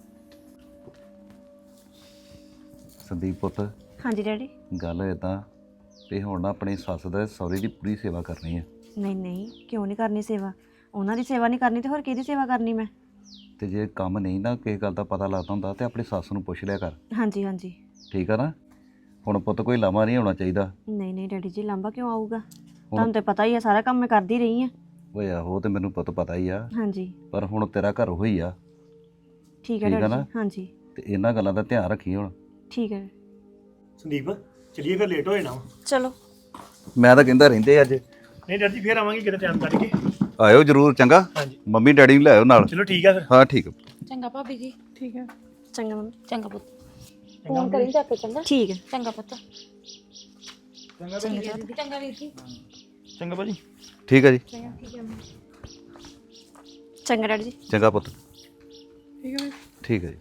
S4: ਸੰਦੀਪ ਪੁੱਤ,
S5: ਹਾਂਜੀ ਡੈਡੀ।
S4: ਗੱਲ ਇਦਾਂ ਵੀ ਹੁਣ ਨਾ ਆਪਣੀ ਸੱਸ ਦਾ ਸਹੁਰੇ ਦੀ ਪੂਰੀ ਸੇਵਾ ਕਰਨੀ ਹੈ।
S5: ਨਹੀਂ ਨਹੀਂ ਕਿਉਂ ਨਹੀਂ ਕਰਨੀ ਸੇਵਾ, ਉਹਨਾਂ ਦੀ ਸੇਵਾ ਨਹੀਂ ਕਰਨੀ ਤੇ ਹੋਰ ਕਿਹਦੀ ਸੇਵਾ ਕਰਨੀ ਮੈਂ।
S4: ਤੇ ਜੇ ਕੰਮ ਨਹੀਂ ਨਾ ਕਿਸੇ ਗੱਲ ਦਾ ਪਤਾ ਲੱਗਦਾ ਹੁੰਦਾ ਤੇ ਆਪਣੀ ਸੱਸ ਨੂੰ ਪੁੱਛ ਲਿਆ ਕਰ,
S5: ਹਾਂਜੀ ਹਾਂਜੀ
S4: ਠੀਕ ਆ ਨਾ। ਹੁਣ ਪੁੱਤ ਕੋਈ ਲਾਮਾ ਨਹੀਂ ਹੋਣਾ ਚਾਹੀਦਾ।
S5: ਨਹੀਂ ਨਹੀਂ ਡੈਡੀ ਜੀ, ਲਾਂਬਾ ਕਿਉਂ ਆਊਗਾ, ਤੁਹਾਨੂੰ ਤੇ ਪਤਾ ਹੀ ਆ, ਸਾਰਾ ਕੰਮ ਮੈਂ ਕਰਦੀ ਰਹੀ ਆ।
S4: ਓਏ ਆਹੋ, ਤੇ ਮੈਨੂੰ ਪੁੱਤ ਪਤਾ ਹੀ ਆ,
S5: ਹਾਂਜੀ
S4: ਪਰ ਹੁਣ ਤੇਰਾ ਘਰ ਹੋਈ ਆ,
S5: ਠੀਕ ਹੈ
S4: ਠੀਕ ਆ
S5: ਡੈਡੀ
S4: ਨਾ?
S5: ਜੀ। ਹਾਂਜੀ
S4: ਤੇ ਇਹਨਾਂ ਗੱਲਾਂ ਦਾ ਧਿਆਨ ਰੱਖੀ ਹੁਣ।
S5: ਠੀਕ ਹੈ।
S2: ਸੰਦੀਪ ਚਲੀਏ ਫਿਰ, ਲੇਟ ਹੋ ਜਾਣਾ ਵਾ।
S5: ਚਲੋ
S4: ਮੈਂ ਤਾਂ ਕਹਿੰਦਾ ਰਹਿੰਦੇ ਅੱਜ
S2: ਨਹੀਂ ਡੈਡੀ ਫਿਰ ਆਵਾਂਗੇ ਕਿਤੇ ਟਾਈਮ ਕੱਢ ਕੇ।
S4: ਆਇਓ ਜ਼ਰੂਰ, ਚੰਗਾ।
S2: ਹਾਂਜੀ
S4: ਮੰਮੀ ਡੈਡੀ ਨੂੰ ਲੈ ਆਇਓ ਨਾਲ।
S2: ਚਲੋ ਠੀਕ ਆ ਫਿਰ।
S4: ਹਾਂ ਠੀਕ ਆ।
S1: ਚੰਗਾ ਭਾਬੀ ਜੀ।
S7: ਠੀਕ ਹੈ।
S5: ਚੰਗਾ ਮੰਮੀ।
S1: ਚੰਗਾ ਪੁੱਤ, ਫੋਨ ਕਰੀ ਜਾ ਕੇ। ਚੰਗਾ
S5: ਠੀਕ ਹੈ।
S1: ਚੰਗਾ ਪੁੱਤ। ਚੰਗਾ ਚੰਗਾ ਵੀਰ ਜੀ।
S6: ਚੰਗਾ ਭਾਜੀ।
S4: ਠੀਕ ਆ ਜੀ,
S5: ਚੰਗਾ ਡੈਡੀ ਜੀ।
S4: ਚੰਗਾ ਪੁੱਤ।
S7: ਠੀਕ ਹੈ।
S4: ਠੀਕ ਹੈ ਜੀ।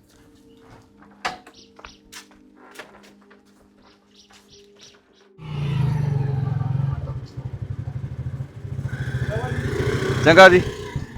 S4: ਚੰਗਾ ਜੀ।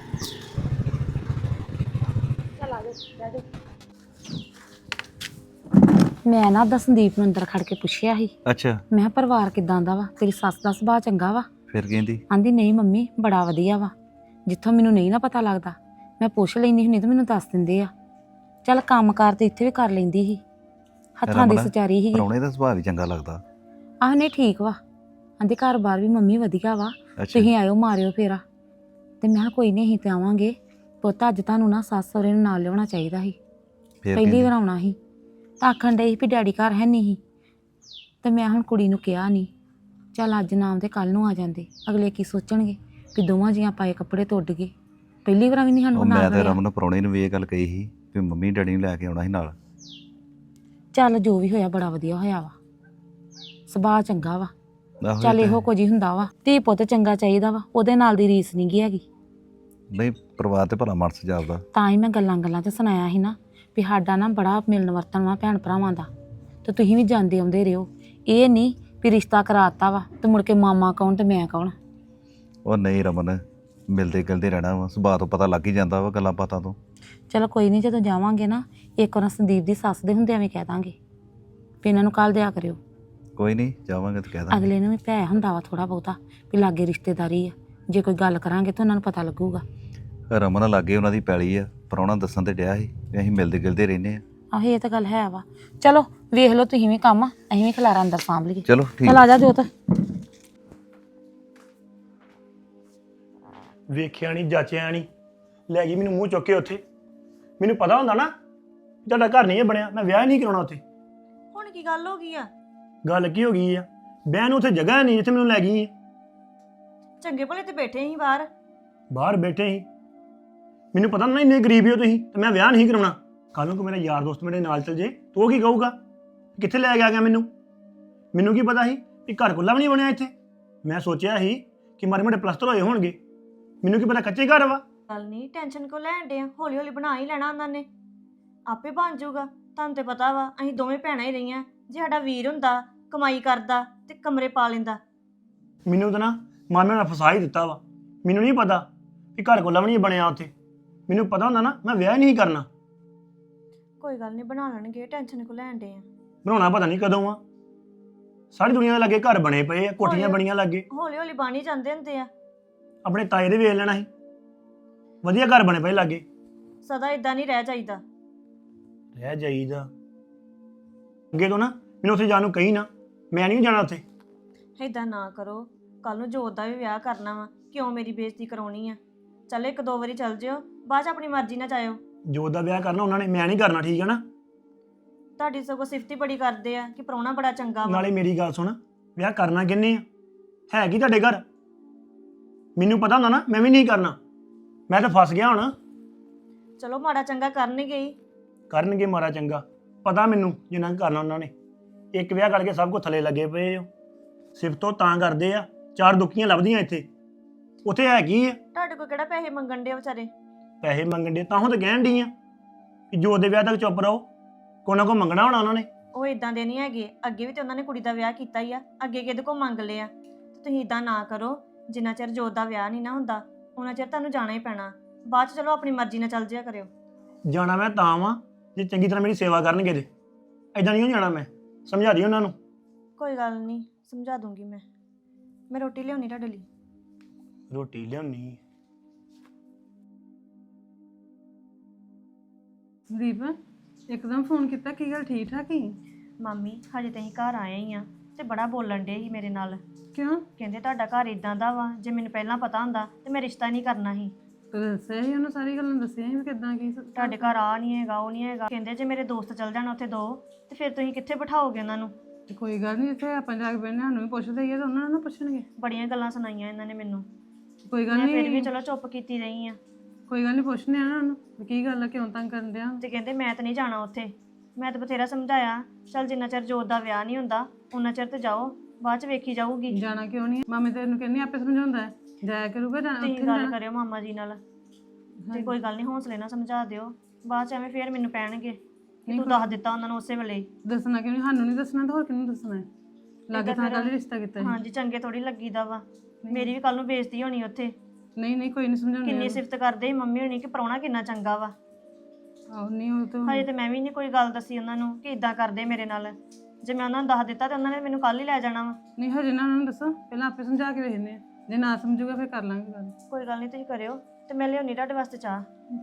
S1: ਮੈਂ ਨਾ ਉਹਦਾ ਸੰਦੀਪ ਨੂੰ ਅੰਦਰ ਖੜ ਕੇ ਪੁੱਛਿਆ ਸੀ,
S4: ਅੱਛਾ,
S1: ਮੈਂ ਕਿਹਾ ਪਰਿਵਾਰ ਕਿਦਾਂ ਦਾ ਵਾ, ਤੇਰੀ ਸੱਸ ਦਾ ਸੁਭਾਅ ਚੰਗਾ ਵਾ?
S4: ਫਿਰ ਕਹਿੰਦੀ
S1: ਆਂਦੀ ਨਹੀਂ ਮੰਮੀ, ਬੜਾ ਵਧੀਆ ਵਾ, ਜਿੱਥੋਂ ਮੈਨੂੰ ਨਹੀਂ ਨਾ ਪਤਾ ਲੱਗਦਾ ਮੈਂ ਪੁੱਛ ਲੈਂਦੀ ਹੁੰਦੀ ਤਾਂ ਮੈਨੂੰ ਦੱਸ ਦਿੰਦੇ ਆ। ਚੱਲ ਕੰਮਕਾਰ ਤੇ ਇੱਥੇ ਵੀ ਕਰ ਲੈਂਦੀ ਸੀ, ਹੱਥਾਂ ਦੀ
S4: ਰਮਨ,
S1: ਸਚਾਰੀ ਸੀਗੀ।
S4: ਪ੍ਰਾਹੁਣੇ ਦਾ ਸੁਭਾਅ ਵੀ ਚੰਗਾ ਲੱਗਦਾ।
S1: ਆਹ ਨਹੀਂ ਠੀਕ ਵਾ, ਆਂਦੇ ਘਰ ਬਾਰ ਵੀ ਮੰਮੀ ਵਧੀਆ ਵਾ,
S4: ਅੱਛਾ
S1: ਤੁਸੀਂ ਆਇਓ ਮਾਰਿਓ ਫੇਰਾ। ਤੇ ਮੈਂ ਕਿਹਾ ਕੋਈ ਨਹੀਂ ਅਸੀਂ ਤੇ ਆਵਾਂਗੇ ਪੁੱਤ, ਅੱਜ ਤੁਹਾਨੂੰ ਨਾ ਸੱਸ ਸਹੁਰੇ ਨੂੰ ਨਾਲ ਲਿਆਉਣਾ ਚਾਹੀਦਾ ਸੀ,
S4: ਫੇਰ
S1: ਪਹਿਲੀ
S4: ਕਹਿੰਦੀ,
S1: ਵਾਰ ਆਉਣਾ ਸੀ। ਤਾਂ ਆਖਣ ਡਈ ਸੀ ਵੀ ਡੈਡੀ ਘਰ ਹੈ ਨਹੀਂ ਸੀ, ਤੇ ਮੈਂ ਹੁਣ ਕੁੜੀ ਨੂੰ ਕਿਹਾ ਨਹੀਂ, ਚੱਲ ਅੱਜ ਨਾਮ ਤੇ ਕੱਲ ਨੂੰ ਆ ਜਾਂਦੇ। ਅਗਲੇ ਕੀ ਸੋਚਣਗੇ ਵੀ ਦੋਵਾਂ ਜੀਆਂ ਪਾਏ ਕੱਪੜੇ ਤੁੱਡ ਗਏ, ਪਹਿਲੀ ਵਾਰ ਵੀ ਨਹੀਂ ਸਾਨੂੰ
S4: ਉਹ
S1: ਨਾਲ
S4: ਮੈਂ ਤੇ
S1: ਲਿਆ।
S4: ਰਮਨ ਪ੍ਰਾਹੁਣੇ ਨੂੰ ਵੀ ਇਹ ਗੱਲ ਕਹੀ ਸੀ ਵੀ ਮੰਮੀ ਡੈਡੀ ਨੂੰ ਲੈ ਕੇ ਆਉਣਾ ਸੀ ਨਾਲ।
S1: ਚੱਲ ਜੋ ਵੀ ਹੋਇਆ ਬੜਾ ਵਧੀਆ ਹੋਇਆ ਵਾ, ਸੁਭਾਅ ਚੰਗਾ ਵਾ।
S4: ਆਹੋ
S1: ਚੱਲ
S4: ਇਹ ਤਾਂ
S1: ਇਹੋ
S4: ਹੈ।
S1: ਕੁਝ ਹੀ ਹੁੰਦਾ ਵਾ, ਧੀ ਪੁੱਤ ਚੰਗਾ ਚਾਹੀਦਾ ਵਾ, ਉਹਦੇ ਨਾਲ ਦੀ ਰੀਸ ਨਹੀਂ ਗੀ ਹੈਗੀ।
S4: ਨਹੀਂ ਪਰਿਵਾਰ ਤੇ ਭਲਾ ਮਨਸ ਜਾਪਦਾ।
S1: ਤਾਂ ਹੀ ਮੈਂ ਗੱਲਾਂ ਗੱਲਾਂ 'ਚ ਸੁਣਾਇਆ ਸੀ ਨਾ ਵੀ ਸਾਡਾ ਨਾ ਬੜਾ ਮਿਲਣ ਵਰਤਣ ਵਾ ਭੈਣ ਭਰਾਵਾਂ ਦਾ, ਤੇ ਤੁਸੀਂ ਵੀ ਜਾਂਦੇ ਆਉਂਦੇ ਰਹੋ। ਇਹ ਨਹੀਂ ਵੀ ਰਿਸ਼ਤਾ ਕਰਾਤਾ ਵਾ ਤੇ ਮੁੜ ਕੇ ਮਾਮਾ ਕੌਣ ਤੇ ਮੈਂ ਕੌਣ।
S4: ਉਹ ਨਹੀਂ ਰਮਨ, ਮਿਲਦੇ ਗਿਲਦੇ ਰਹਿਣਾ ਵਾ, ਸੁਭਾਅ ਤੋਂ ਪਤਾ ਲੱਗ ਹੀ ਜਾਂਦਾ ਵਾ ਗੱਲਾਂ ਬਾਤਾਂ ਤੋਂ।
S1: ਚਲੋ ਕੋਈ ਨਹੀਂ, ਜਦੋਂ ਜਾਵਾਂਗੇ ਨਾ ਇੱਕ ਵਾਰ ਸੰਦੀਪ ਦੀ ਸੱਸ ਦੇ ਹੁੰਦਿਆਂ ਵੀ ਕਹਿ ਦਾਂਗੇ ਵੀ ਇਹਨਾਂ ਨੂੰ ਕੱਲ ਦਿਆ ਕਰਿਓ।
S4: ਕੋਈ ਨਹੀਂ ਜਾਵਾਂਗੇ ਤੇ ਕਹਿ ਦਾਂਗੇ।
S1: ਅਗਲੇ ਨੂੰ ਵੀ ਭੈ ਹੁੰਦਾ ਵਾ ਥੋੜਾ ਬਹੁਤਾ ਵੀ ਲਾਗੇ ਰਿਸ਼ਤੇਦਾਰੀ ਆ, ਜੇ ਕੋਈ ਗੱਲ ਕਰਾਂਗੇ ਤਾਂ ਉਹਨਾਂ ਨੂੰ ਪਤਾ ਲੱਗੂਗਾ।
S4: ਰਮਨ ਲਾਗੇ ਉਹਨਾਂ ਦੀ ਪੈਲੀ ਆ, ਪ੍ਰਾਹੁਣਾ ਦੱਸਣ ਤੇ ਡਿਆ ਸੀ ਵੀ ਅਸੀਂ ਮਿਲਦੇ ਗਿਲਦੇ ਰਹਿੰਦੇ ਆ।
S1: ਆਹ ਇਹ ਤਾਂ ਗੱਲ ਹੈ ਵਾ। ਚਲੋ ਵੇਖ ਲਓ ਤੁਸੀਂ ਵੀ ਕੰਮ, ਅਸੀਂ ਵੀ ਖਲਾਰਾ ਅੰਦਰ ਸਾਂਭ ਲਈਏ।
S4: ਚਲੋ ਠੀਕ।
S1: ਚਲ ਆ ਜਾ ਜੋਤ।
S2: ਵੇਖਿਆ ਨਹੀਂ ਜਾਚਿਆ ਨਹੀਂ, ਲੈ ਗਈ ਮੈਨੂੰ ਮੂੰਹ ਚੁੱਕ ਕੇ ਉੱਥੇ। ਮੈਨੂੰ ਪਤਾ ਹੁੰਦਾ ਨਾ ਤੁਹਾਡਾ ਘਰ ਨਹੀਂ ਇਹ ਬਣਿਆ, ਮੈਂ ਵਿਆਹ ਨਹੀਂ ਕਰਾਉਣਾ ਉੱਥੇ।
S5: ਹੁਣ ਕੀ ਗੱਲ ਹੋ ਗਈ ਆ?
S2: ਗੱਲ ਕੀ ਹੋ ਗਈ ਆ, ਬਹਿਣ ਨੂੰ ਉੱਥੇ ਜਗ੍ਹਾ ਨਹੀਂ ਜਿੱਥੇ ਮੈਨੂੰ ਲੈ ਗਈ ਆ।
S5: ਚੰਗੇ ਭਲੇ ਤੇ ਬੈਠੇ ਸੀ ਬਾਹਰ।
S2: ਬਾਹਰ ਬੈਠੇ ਸੀ, ਮੈਨੂੰ ਪਤਾ ਨਾ ਇੰਨੇ ਗਰੀਬ ਹੋ ਤੁਸੀਂ, ਤੇ ਮੈਂ ਵਿਆਹ ਨਹੀਂ ਕਰਾਉਣਾ। ਕੱਲ ਨੂੰ ਕੋਈ ਮੇਰਾ ਯਾਰ ਦੋਸਤ ਮੇਰੇ ਨਾਲ ਚੱਲ ਜੇ ਤਾਂ ਉਹ ਕੀ ਕਹੂਗਾ, ਕਿੱਥੇ ਲੈ ਕੇ ਆ ਗਿਆ ਮੈਨੂੰ। ਮੈਨੂੰ ਕੀ ਪਤਾ ਸੀ ਕਿ ਘਰ ਕੁੱਲਾ ਵੀ ਨਹੀਂ ਬਣਿਆ ਇੱਥੇ। ਮੈਂ ਸੋਚਿਆ ਸੀ ਕਿ ਮਾਰੇ ਮੋਟੇ ਪਲਸਤਰ ਹੋਏ ਹੋਣਗੇ, ਮੈਨੂੰ ਕੀ ਪਤਾ ਕੱਚੇ ਘਰ ਵਾ।
S5: ਗੱਲ ਨਹੀਂ, ਟੈਨਸ਼ਨ ਕਿਉਂ ਲੈਣ ਡੇ ਆ? ਹੌਲੀ ਹੌਲੀ ਬਣਾ ਹੀ ਲੈਣਾ ਉਹਨਾਂ ਨੇ, ਆਪੇ ਬਣ ਜਾਊਗਾ। ਤੁਹਾਨੂੰ ਤੇ ਪਤਾ ਵਾ ਅਸੀਂ ਦੋਵੇਂ ਭੈਣਾਂ ਹੀ ਰਹੀਆਂ। ਜੇ ਸਾਡਾ ਵੀਰ ਹੁੰਦਾ ਕਮਾਈ ਕਰਦਾ ਤੇ ਕਮਰੇ ਪਾ ਲੈਂਦਾ।
S2: ਮੈਨੂੰ ਤਾਂ ਨਾ ਮਾਮੇ ਨੇ ਫਸਾ ਹੀ ਦਿੱਤਾ ਵਾ। ਮੈਨੂੰ ਨਹੀਂ ਪਤਾ ਕਿ ਘਰ ਕੁੱਲਾ ਵੀ ਨਹੀਂ ਬਣਿਆ ਉੱਥੇ। ਮੈਨੂੰ ਪਤਾ ਹੁੰਦਾ ਨਾ ਮੈਂ ਵਿਆਹ ਹੀ ਨਹੀਂ ਕਰਨਾ।
S5: ਕੋਈ ਗੱਲ ਨਹੀਂ, ਬਣਾ ਲੈਣਗੇ, ਟੈਨਸ਼ਨ ਕਿਉਂ ਲੈਣ ਡੇ ਆ?
S2: ਬਣਾਉਣਾ ਪਤਾ ਨਹੀਂ ਕਦੋਂ ਆ। ਸਾਰੀ ਦੁਨੀਆ ਦੇ ਲਾਗੇ ਘਰ ਬਣੇ ਪਏ ਆ, ਕੋਠੀਆਂ ਬਣੀਆਂ ਲਾਗੇ।
S5: ਹੌਲੀ ਹੌਲੀ ਬਣ ਹੀ ਜਾਂਦੇ ਹੁੰਦੇ ਆ।
S2: ਆਪਣੇ ਤਾਏ ਦੇ ਵੇਖ ਲੈਣਾ ਸੀ, ਵਧੀਆ ਘਰ ਬਣੇ ਪਏ ਲਾਗੇ।
S5: ਸਦਾ ਇਦਾਂ ਨਹੀਂ ਰਹਿ ਜਾਈਦਾ।
S2: ਰਹਿ ਜਾਈਦਾ ਅੱਗੇ ਤੋਂ ਨਾ ਮੈਨੂੰ ਉੱਥੇ ਜਾਣ ਨੂੰ ਕਹੀ ਨਾ, ਮੈਂ ਨਹੀਂ ਜਾਣਾ ਉੱਥੇ।
S5: ਇਦਾਂ ਨਾ ਕਰੋ, ਕੱਲ ਨੂੰ ਜੋਤ ਦਾ ਵੀ ਵਿਆਹ ਕਰਨਾ ਵਾ, ਕਿਉਂ ਮੇਰੀ ਬੇਇੱਜ਼ਤੀ ਕਰਾਉਣੀ ਆ? ਚੱਲ ਇੱਕ ਦੋ ਵਾਰੀ ਚੱਲ ਜਿਓ, ਬਾਅਦ ਚ ਆਪਣੀ ਮਰਜ਼ੀ ਨਾਲ ਜਾਇਓ।
S2: ਜੋਤ ਦਾ ਵਿਆਹ ਕਰਨਾ ਉਹਨਾਂ ਨੇ, ਮੈਂ ਨਹੀਂ ਕਰਨਾ, ਠੀਕ ਹੈ ਨਾ।
S5: ਤੁਹਾਡੀ ਸਗੋਂ ਸਿਫਤੀ ਬੜੀ ਕਰਦੇ ਆ ਕਿ ਪ੍ਰਾਹੁਣਾ ਬੜਾ ਚੰਗਾ ਵਾ।
S2: ਨਾਲੇ ਮੇਰੀ ਗੱਲ ਸੁਣ, ਵਿਆਹ ਕਰਨਾ ਕਿੰਨੇ ਆ? ਹੈ ਕੀ ਤੁਹਾਡੇ ਘਰ? ਮੈਨੂੰ ਪਤਾ ਹੁੰਦਾ ਨਾ ਮੈਂ ਵੀ ਨਹੀਂ ਕਰਨਾ। ਮੈਂ ਤਾਂ ਫਸ ਗਿਆ ਹੁਣ।
S5: ਚਲੋ ਮਾੜਾ ਚੰਗਾ ਕਰਨਗੇ ਹੀ।
S2: ਕਰਨਗੇ ਮਾਰਾ ਚੰਗਾ, ਪਤਾ ਮੈਨੂੰ ਜਿੰਨਾ ਕੁ ਕਰਨਾ ਉਹਨਾਂ ਨੇ। ਇੱਕ ਵਿਆਹ ਕਰਕੇ ਸਭ ਕੁਝ ਥੱਲੇ ਲੱਗੇ ਪਏ ਹੋ। ਸਿਫਤੋਂ ਤਾਂ ਕਰਦੇ ਆ, ਚਾਰ ਦੁੱਖੀਆਂ ਲੱਭਦੀਆਂ ਇੱਥੇ। ਉੱਥੇ ਹੈ ਕੀ ਆ?
S5: ਤੁਹਾਡੇ ਕੋਲ ਕਿਹੜਾ ਪੈਸੇ ਮੰਗਣ ਦੇ ਵਿਚਾਰੇ?
S2: ਪੈਸੇ ਮੰਗਣ ਦੇ ਤਾਂ ਹੁਣ ਤਾਂ ਕਹਿਣ ਡਈ ਆ ਕਿ ਜੋ ਦੇ ਵਿਆਹ ਤੱਕ ਚੁੱਪ ਰਹੋ, ਕੋਈ ਨਾ ਕੋਈ ਮੰਗਣਾ ਹੋਣਾ ਉਹਨਾਂ ਨੇ।
S5: ਉਹ ਇਦਾਂ ਦੇ ਨਹੀਂ ਹੈਗੇ, ਅੱਗੇ ਵੀ ਤੇ ਉਹਨਾਂ ਨੇ ਕੁੜੀ ਦਾ ਵਿਆਹ ਕੀਤਾ ਹੀ ਆ, ਅੱਗੇ ਕਿਹਦੇ ਕੋਲ ਮੰਗ ਲਿਆ? ਤੇ ਤੁਸੀਂ ਇਦਾਂ ਨਾ ਕਰੋ, ਜਿੰਨਾ ਚਿਰ ਜੋਤ ਦਾ ਵਿਆਹ ਨਹੀਂ ਨਾ ਹੁੰਦਾ ਉਹਨਾਂ ਚਿਰ ਤੁਹਾਨੂੰ ਜਾਣਾ ਹੀ ਪੈਣਾ। ਬਾਅਦ ਚ ਚਲੋ ਆਪਣੀ ਮਰਜ਼ੀ ਨਾਲ ਚੱਲ ਜਿਆ ਕਰਿਓ।
S2: ਜਾਣਾ ਮੈਂ ਤਾਂ ਵਾਂ ਜੇ ਚੰਗੀ ਤਰ੍ਹਾਂ ਮੇਰੀ ਸੇਵਾ ਕਰਨਗੇ ਤੇ। ਐਦਾਂ ਨਹੀਂ ਜਾਣਾ। ਮੈਂ ਸਮਝਾ ਦੀ ਉਹਨਾਂ ਨੂੰ।
S5: ਕੋਈ ਗੱਲ ਨਹੀਂ, ਸਮਝਾ ਦੂੰਗੀ ਮੈਂ। ਮੈਂ ਰੋਟੀ ਲਿਆਉਣੀ ਤੁਹਾਡੇ ਲਈ।
S2: ਰੋਟੀ ਲਿਆਉਣੀ
S7: ਸੰਦੀਪ ਇੱਕਦਮ ਫੋਨ ਕੀਤਾ, ਕੀ ਗੱਲ ਠੀਕ ਠਾਕ ਹੀ?
S5: ਮਾਮੀ ਹਜੇ ਤਾਂ ਅਸੀਂ ਘਰ ਆਏ ਹੀ ਆ ਤੇ ਬੜਾ ਬੋਲਣ ਡੇ ਸੀ ਮੇਰੇ ਨਾਲ।
S7: ਕਿਉਂ?
S5: ਕਹਿੰਦੇ ਤੁਹਾਡਾ ਘਰ ਇਦਾਂ ਦਾ ਵਾ, ਜੇ ਮੈਨੂੰ ਪਹਿਲਾਂ ਪਤਾ ਹੁੰਦਾ ਤੇ ਮੈਂ ਰਿਸ਼ਤਾ ਨਹੀਂ ਕਰਨਾ ਸੀ।
S7: ਤੇ ਦੱਸਿਆ ਸੀ ਉਹਨੂੰ, ਸਾਰੀ ਗੱਲਾਂ ਦੱਸਿਆ ਸੀ ਵੀ ਕਿੱਦਾਂ ਕੀ ਸ-
S5: ਤੁਹਾਡੇ ਘਰ ਆ ਨਹੀਂ ਹੈਗਾ, ਉਹ ਨਹੀਂ ਹੈਗਾ। ਕਹਿੰਦੇ ਜੇ ਮੇਰੇ ਦੋਸਤ ਚੱਲ ਜਾਣ ਉੱਥੇ ਦੋ ਤੇ ਫਿਰ ਤੁਸੀਂ ਕਿੱਥੇ ਬਿਠਾਓਗੇ ਉਹਨਾਂ ਨੂੰ?
S7: ਤੇ ਕੋਈ ਗੱਲ ਨਹੀਂ, ਜਿੱਥੇ ਆਪਾਂ ਜਾ ਕੇ ਬੈਠੇ ਸਾਨੂੰ ਵੀ ਪੁੱਛਦੇ ਹੀ ਆ ਤਾਂ ਉਹਨਾਂ ਨੂੰ ਨਾ ਪੁੱਛਣਗੇ।
S5: ਬੜੀਆਂ ਗੱਲਾਂ ਸੁਣਾਈਆਂ ਇਹਨਾਂ ਨੇ ਮੈਨੂੰ।
S7: ਕੋਈ ਗੱਲ
S5: ਮੈਂ ਫਿਰ ਵੀ
S7: ਨਹੀਂ,
S5: ਚਲੋ ਚੁੱਪ ਕੀਤੀ ਰਹੀ ਆ।
S7: ਕੋਈ ਗੱਲ ਨਹੀਂ, ਪੁੱਛਨੇ ਆ ਨਾ ਉਹਨੂੰ ਵੀ ਕੀ ਗੱਲ ਆ, ਕਿਉਂ ਤੰਗ ਕਰਨ ਡਿਆ?
S5: ਤੇ ਕਹਿੰਦੇ ਮੈਂ ਤਾਂ ਨਹੀਂ ਜਾਣਾ ਉੱਥੇ। ਮੈਂ ਤਾਂ ਬਥੇਰਾ ਸਮਝਾਇਆ, ਚੱਲ ਜਿੰਨਾ ਚਿਰ ਜੋਤ ਦਾ ਵਿਆਹ ਨਹੀਂ ਹੁੰਦਾ ਉਹਨਾਂ ਚਿਰ ਤੇ ਜਾਓ, ਬਾਅਦ ਚ ਵੇਖੀ ਜਾਊਗੀ।
S7: ਜਾਣਾ ਕਿਉਂ ਨਹੀਂ? ਮਾਮੇ ਤੈਨੂੰ ਕਹਿੰਦੀ ਆਪੇ ਸਮਝਾਉਂਦਾ ਹੈ, ਜਾਇਆ ਕਰੂਗਾ ਜਾਣਾ
S5: ਤੁਸੀਂ
S7: ਉੱਥੇ ਨੀ
S5: ਗੱਲ
S7: ਜਾਣਾ।
S5: ਕਰਿਓ ਮਾਮਾ ਜੀ ਨਾਲ ਤੇ ਕੋਈ ਗੱਲ ਨਹੀਂ, ਹੌਸਲੇ ਨਾਲ ਸਮਝਾ ਦਿਓ। ਬਾਅਦ ਚ ਐਵੇਂ ਫੇਰ ਮੈਨੂੰ ਪੈਣਗੇ ਕਿ ਤੂੰ ਦੱਸ ਦਿੱਤਾ ਉਹਨਾਂ ਨੂੰ ਉਸੇ ਵੇਲੇ।
S7: ਦੱਸਣਾ ਕਿਉਂ ਨਹੀਂ? ਸਾਨੂੰ ਨਹੀਂ ਦੱਸਣਾ ਤਾਂ ਹੋਰ ਕਿਹਨੂੰ ਦੱਸਣਾ ਹੈ? ਲਾਗੇ ਥਾਂ ਕੱਲ ਰਿਸ਼ਤਾ ਕੀਤਾ ਸੀ।
S5: ਹਾਂਜੀ ਚੰਗੇ ਥੋੜੀ ਲੱਗੀਦਾ ਵਾ, ਮੇਰੀ ਵੀ ਕੱਲ ਨੂੰ ਬੇਇੱਜ਼ਤੀ ਹੋਣੀ ਉੱਥੇ।
S7: ਨਹੀਂ ਨਹੀਂ, ਕੋਈ ਨਹੀਂ ਸਮਝਾਉਂਦੇ।
S5: ਕਿੰਨੀ ਸਿਫਤ ਕਰਦੇ ਸੀ ਮੰਮੀ ਹੋਣੀ ਕਿ ਪ੍ਰਾਹੁਣਾ ਕਿੰਨਾ ਚੰਗਾ ਵਾ।
S7: ਆਹੋ ਨਹੀਂ, ਉਹ ਤਾਂ
S5: ਹਜੇ ਤੇ ਮੈਂ ਵੀ ਨਹੀਂ ਕੋਈ ਗੱਲ ਦੱਸੀ ਉਹਨਾਂ ਨੂੰ ਕਿ ਇਦਾਂ ਕਰਦੇ ਮੇਰੇ ਨਾਲ। ਜੇ ਮੈਂ ਉਹਨਾਂ ਨੂੰ ਦੱਸ ਦਿੱਤਾ ਤੇ ਉਹਨਾਂ ਨੇ ਮੈਨੂੰ ਕੱਲ ਹੀ ਲੈ ਜਾਣਾ ਵਾ।
S7: ਨਹੀਂ, ਹਜੇ ਨਾ ਉਹਨਾਂ ਨੂੰ ਦੱਸੋ, ਪਹਿਲਾਂ ਆਪੇ ਸਮਝਾ ਕੇ ਵੇਖਦੇ ਆ, ਜੇ ਨਾ ਸਮਝੂਗਾ ਫਿਰ ਕਰ ਲਾਂਗੇ ਗੱਲ।
S5: ਕੋਈ ਗੱਲ ਨਹੀਂ, ਤੁਸੀਂ ਕਰਿਓ ਤੇ ਮੈਂ ਲਿਆਉਣੀ ਤੁਹਾਡੇ ਵਾਸਤੇ ਚਾਹ।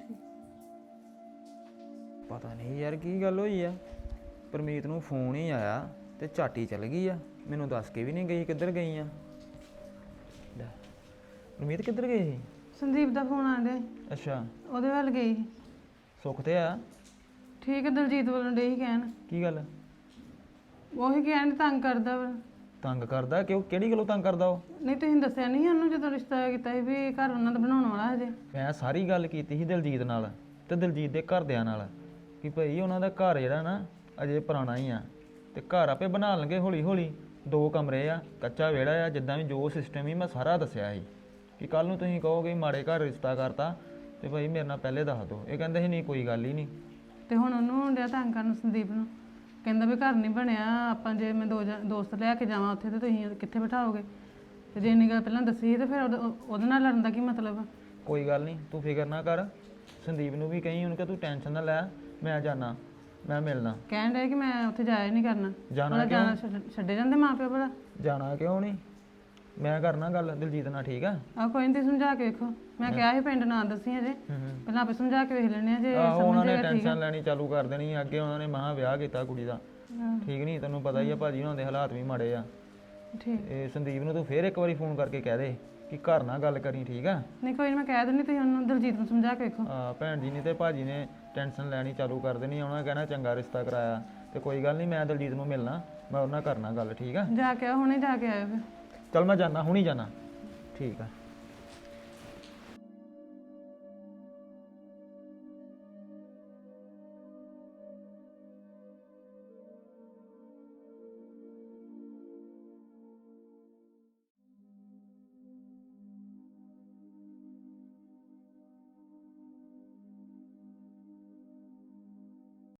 S6: ਪਤਾ ਨਹੀਂ ਯਾਰ ਕੀ ਗੱਲ ਹੋਈ ਆ, ਪਰਮੀਤ ਨੂੰ ਫੋਨ ਹੀ ਆਇਆ ਤੇ ਝਾਟੀ ਚਲ ਗਈ ਆ, ਮੈਨੂੰ ਦੱਸ ਕੇ ਵੀ ਨਹੀਂ ਗਈ ਕਿੱਧਰ ਗਈ ਆ। ਲੈ, ਪਰਮੀਤ ਕਿੱਧਰ ਗਈ ਸੀ?
S7: ਸੰਦੀਪ ਦਾ ਫੋਨ ਆਂਦੇ,
S6: ਅੱਛਾ,
S7: ਉਹਦੇ ਵੱਲ ਗਈ ਸੀ।
S6: ਸੁੱਖ ਤੇ ਆ?
S7: ਠੀਕ ਹੈ, ਦਲਜੀਤ ਵੱਲੋਂ ਡੇ ਹੀ ਕਹਿਣ,
S6: ਕੀ ਗੱਲ?
S7: ਉਹੀ ਕਹਿਣ ਤੰਗ ਕਰਦਾ ਵਾ।
S6: ਤੰਗ ਕਰਦਾ? ਕਿਉਂ, ਕਿਹੜੀ ਗੱਲੋਂ ਤੰਗ ਕਰਦਾ ਉਹ?
S7: ਨਹੀਂ ਤੁਸੀਂ ਦੱਸਿਆ ਨਹੀਂ ਉਹਨੂੰ ਜਦੋਂ ਰਿਸ਼ਤਾ ਕੀਤਾ ਸੀ ਵੀ ਘਰ ਉਹਨਾਂ ਦਾ ਬਣਾਉਣ ਵਾਲਾ ਹਜੇ।
S6: ਮੈਂ ਸਾਰੀ ਗੱਲ ਕੀਤੀ ਸੀ ਦਲਜੀਤ ਨਾਲ ਤੇ ਦਲਜੀਤ ਦੇ ਘਰਦਿਆਂ ਨਾਲ ਕਿ ਭਾਈ ਉਹਨਾਂ ਦਾ ਘਰ ਜਿਹੜਾ ਨਾ ਅਜੇ ਪੁਰਾਣਾ ਹੀ ਆ ਤੇ ਘਰ ਆਪੇ ਬਣਾ ਲਣਗੇ ਹੌਲੀ ਹੌਲੀ। ਦੋ ਕਮਰੇ ਆ, ਕੱਚਾ ਵਿਹੜਾ ਆ, ਜਿੱਦਾਂ ਵੀ ਜੋ ਸਿਸਟਮ ਹੀ ਮੈਂ ਸਾਰਾ ਦੱਸਿਆ ਸੀ ਕਿ ਕੱਲ ਨੂੰ ਤੁਸੀਂ ਕਹੋਗੇ ਮਾੜੇ ਘਰ ਰਿਸ਼ਤਾ ਕਰਤਾ ਤੇ ਭਾਈ ਮੇਰੇ ਨਾਲ ਪਹਿਲੇ ਦੱਸ ਦਿਓ। ਇਹ ਕਹਿੰਦੇ ਸੀ ਨਹੀਂ ਕੋਈ ਗੱਲ ਹੀ ਨਹੀਂ।
S7: ਤੇ ਹੁਣ ਉਹਨੂੰ ਡਿਆ ਤੰਗ ਕਰਨ ਸੰਦੀਪ ਨੂੰ, ਕਹਿੰਦਾ ਵੀ ਘਰ ਨਹੀਂ ਬਣਿਆ, ਆਪਾਂ ਜੇ ਮੈਂ ਦੋ ਜਣ- ਦੋਸਤ ਲੈ ਕੇ ਜਾਵਾਂ ਉੱਥੇ ਤੇ ਤੁਸੀਂ ਕਿੱਥੇ ਬਿਠਾਓਗੇ। ਤੇ ਜੇ ਇੰਨੀ ਗੱਲ ਪਹਿਲਾਂ ਦੱਸੀ ਤੇ ਫਿਰ ਉਹਦੇ ਉਹਦੇ ਨਾਲ ਲੜਨ ਦਾ ਕੀ ਮਤਲਬ ਆ?
S6: ਕੋਈ ਗੱਲ ਨਹੀਂ, ਤੂੰ ਫਿਕਰ ਨਾ ਕਰ। ਸੰਦੀਪ ਨੂੰ ਵੀ ਕਹੀਂ ਉਹਨੂੰ ਕਿ ਤੂੰ ਟੈਨਸ਼ਨ ਨਾ ਲੈ, ਮੈਂ ਜਾਣਾ, ਮੈਂ ਮਿਲਣਾ।
S7: ਕਹਿਣ ਡਿਆ ਕਿ ਮੈਂ ਉੱਥੇ ਜਾਇਆ ਨਹੀਂ ਕਰਨਾ।
S6: ਜਾਣਾ
S7: ਉਹਦਾ
S6: ਕਿਉਂ?
S7: ਜਾਣਾ ਛੱਡ- ਛੱਡੇ ਜਾਂਦੇ ਮਾਂ ਪਿਓ ਭਲਾ।
S6: ਜਾਣਾ ਕਿਉਂ ਨਹੀਂ, ਮੈਂ ਕਰਨਾ ਗੱਲ ਦਿਲਜੀਤ ਨਾਲ, ਠੀਕ ਆ?
S7: ਆ ਕੋਈ ਨਹੀਂ, ਤੁਸੀਂ ਸਮਝਾ ਕੇ ਵੇਖੋ। ਮੈਂ ਕਿਹਾ ਸੀ ਪਿੰਡ ਨਾ ਦੱਸੀ ਅਜੇ,
S6: ਹੂੰ ਹੂੰ।
S7: ਪਹਿਲਾਂ ਆਪੇ ਸਮਝਾ ਕੇ ਵੇਖ ਲੈਣੇ ਆ, ਜੇ
S6: ਆਹੋ, ਉਹਨਾਂ
S7: ਸਮਝ
S6: ਨੇ
S7: ਜਾਏਗਾ ਠੀਕ ਆ।
S6: ਟੈਨਸ਼ਨ ਲੈਣੀ ਚਾਲੂ ਕਰ ਦੇਣੀ। ਅੱਗੇ ਉਹਨਾਂ ਨੇ ਮਹਾਂ ਵਿਆਹ ਕੀਤਾ ਕੁੜੀ ਦਾ,
S7: ਹਾਂ,
S6: ਠੀਕ ਨਹੀਂ? ਤੈਨੂੰ ਪਤਾ ਹੀ ਆ ਭਾਜੀ ਉਹਨਾਂ ਦੇ ਹਾਲਾਤ ਵੀ ਮਾੜੇ ਆ।
S7: ਠੀਕ।
S6: ਇਹ ਸੰਦੀਪ ਨੂੰ ਤੂੰ ਫੇਰ ਇੱਕ ਵਾਰੀ ਫੋਨ ਕਰਕੇ ਕਹਿ ਦੇ ਕਿ ਘਰ ਨਾਲ ਗੱਲ ਕਰੀ, ਠੀਕ ਆ?
S7: ਨਹੀਂ ਕੋਈ ਨਹੀਂ, ਮੈਂ ਕਹਿ ਦਿੰਦੀ, ਤੁਸੀਂ ਉਹਨੂੰ ਦਲਜੀਤ ਨੂੰ ਸਮਝਾ ਕੇ ਵੇਖੋ।
S6: ਆ ਭੈਣ ਜੀ ਨੇ ਤੇ ਭਾਜੀ ਨੇ ਟੈਨਸ਼ਨ ਲੈਣੀ ਚਾਲੂ ਕਰ ਦੇਣੀ। ਉਹਨਾਂ ਨੇ ਕਹਿਣਾ ਚੰਗਾ ਰਿਸ਼ਤਾ ਕਰਾਇਆ ਤੇ ਕੋਈ ਗੱਲ ਨਹੀਂ, ਮੈਂ ਦਲਜੀਤ ਨੂੰ ਮਿਲਣਾ, ਮੈਂ ਉਹਨਾਂ ਨਾਲ ਕਰਨਾ ਗੱਲ, ਠੀਕ ਆ?
S7: ਜਾ ਕੇ ਆਓ, ਹੁਣੇ ਜਾ ਕੇ ਆਇਓ ਫਿਰ।
S6: ਚੱਲ ਮੈਂ ਜਾਣਾ, ਹੁਣੀ ਜਾਣਾ, ਠੀਕ ਆ?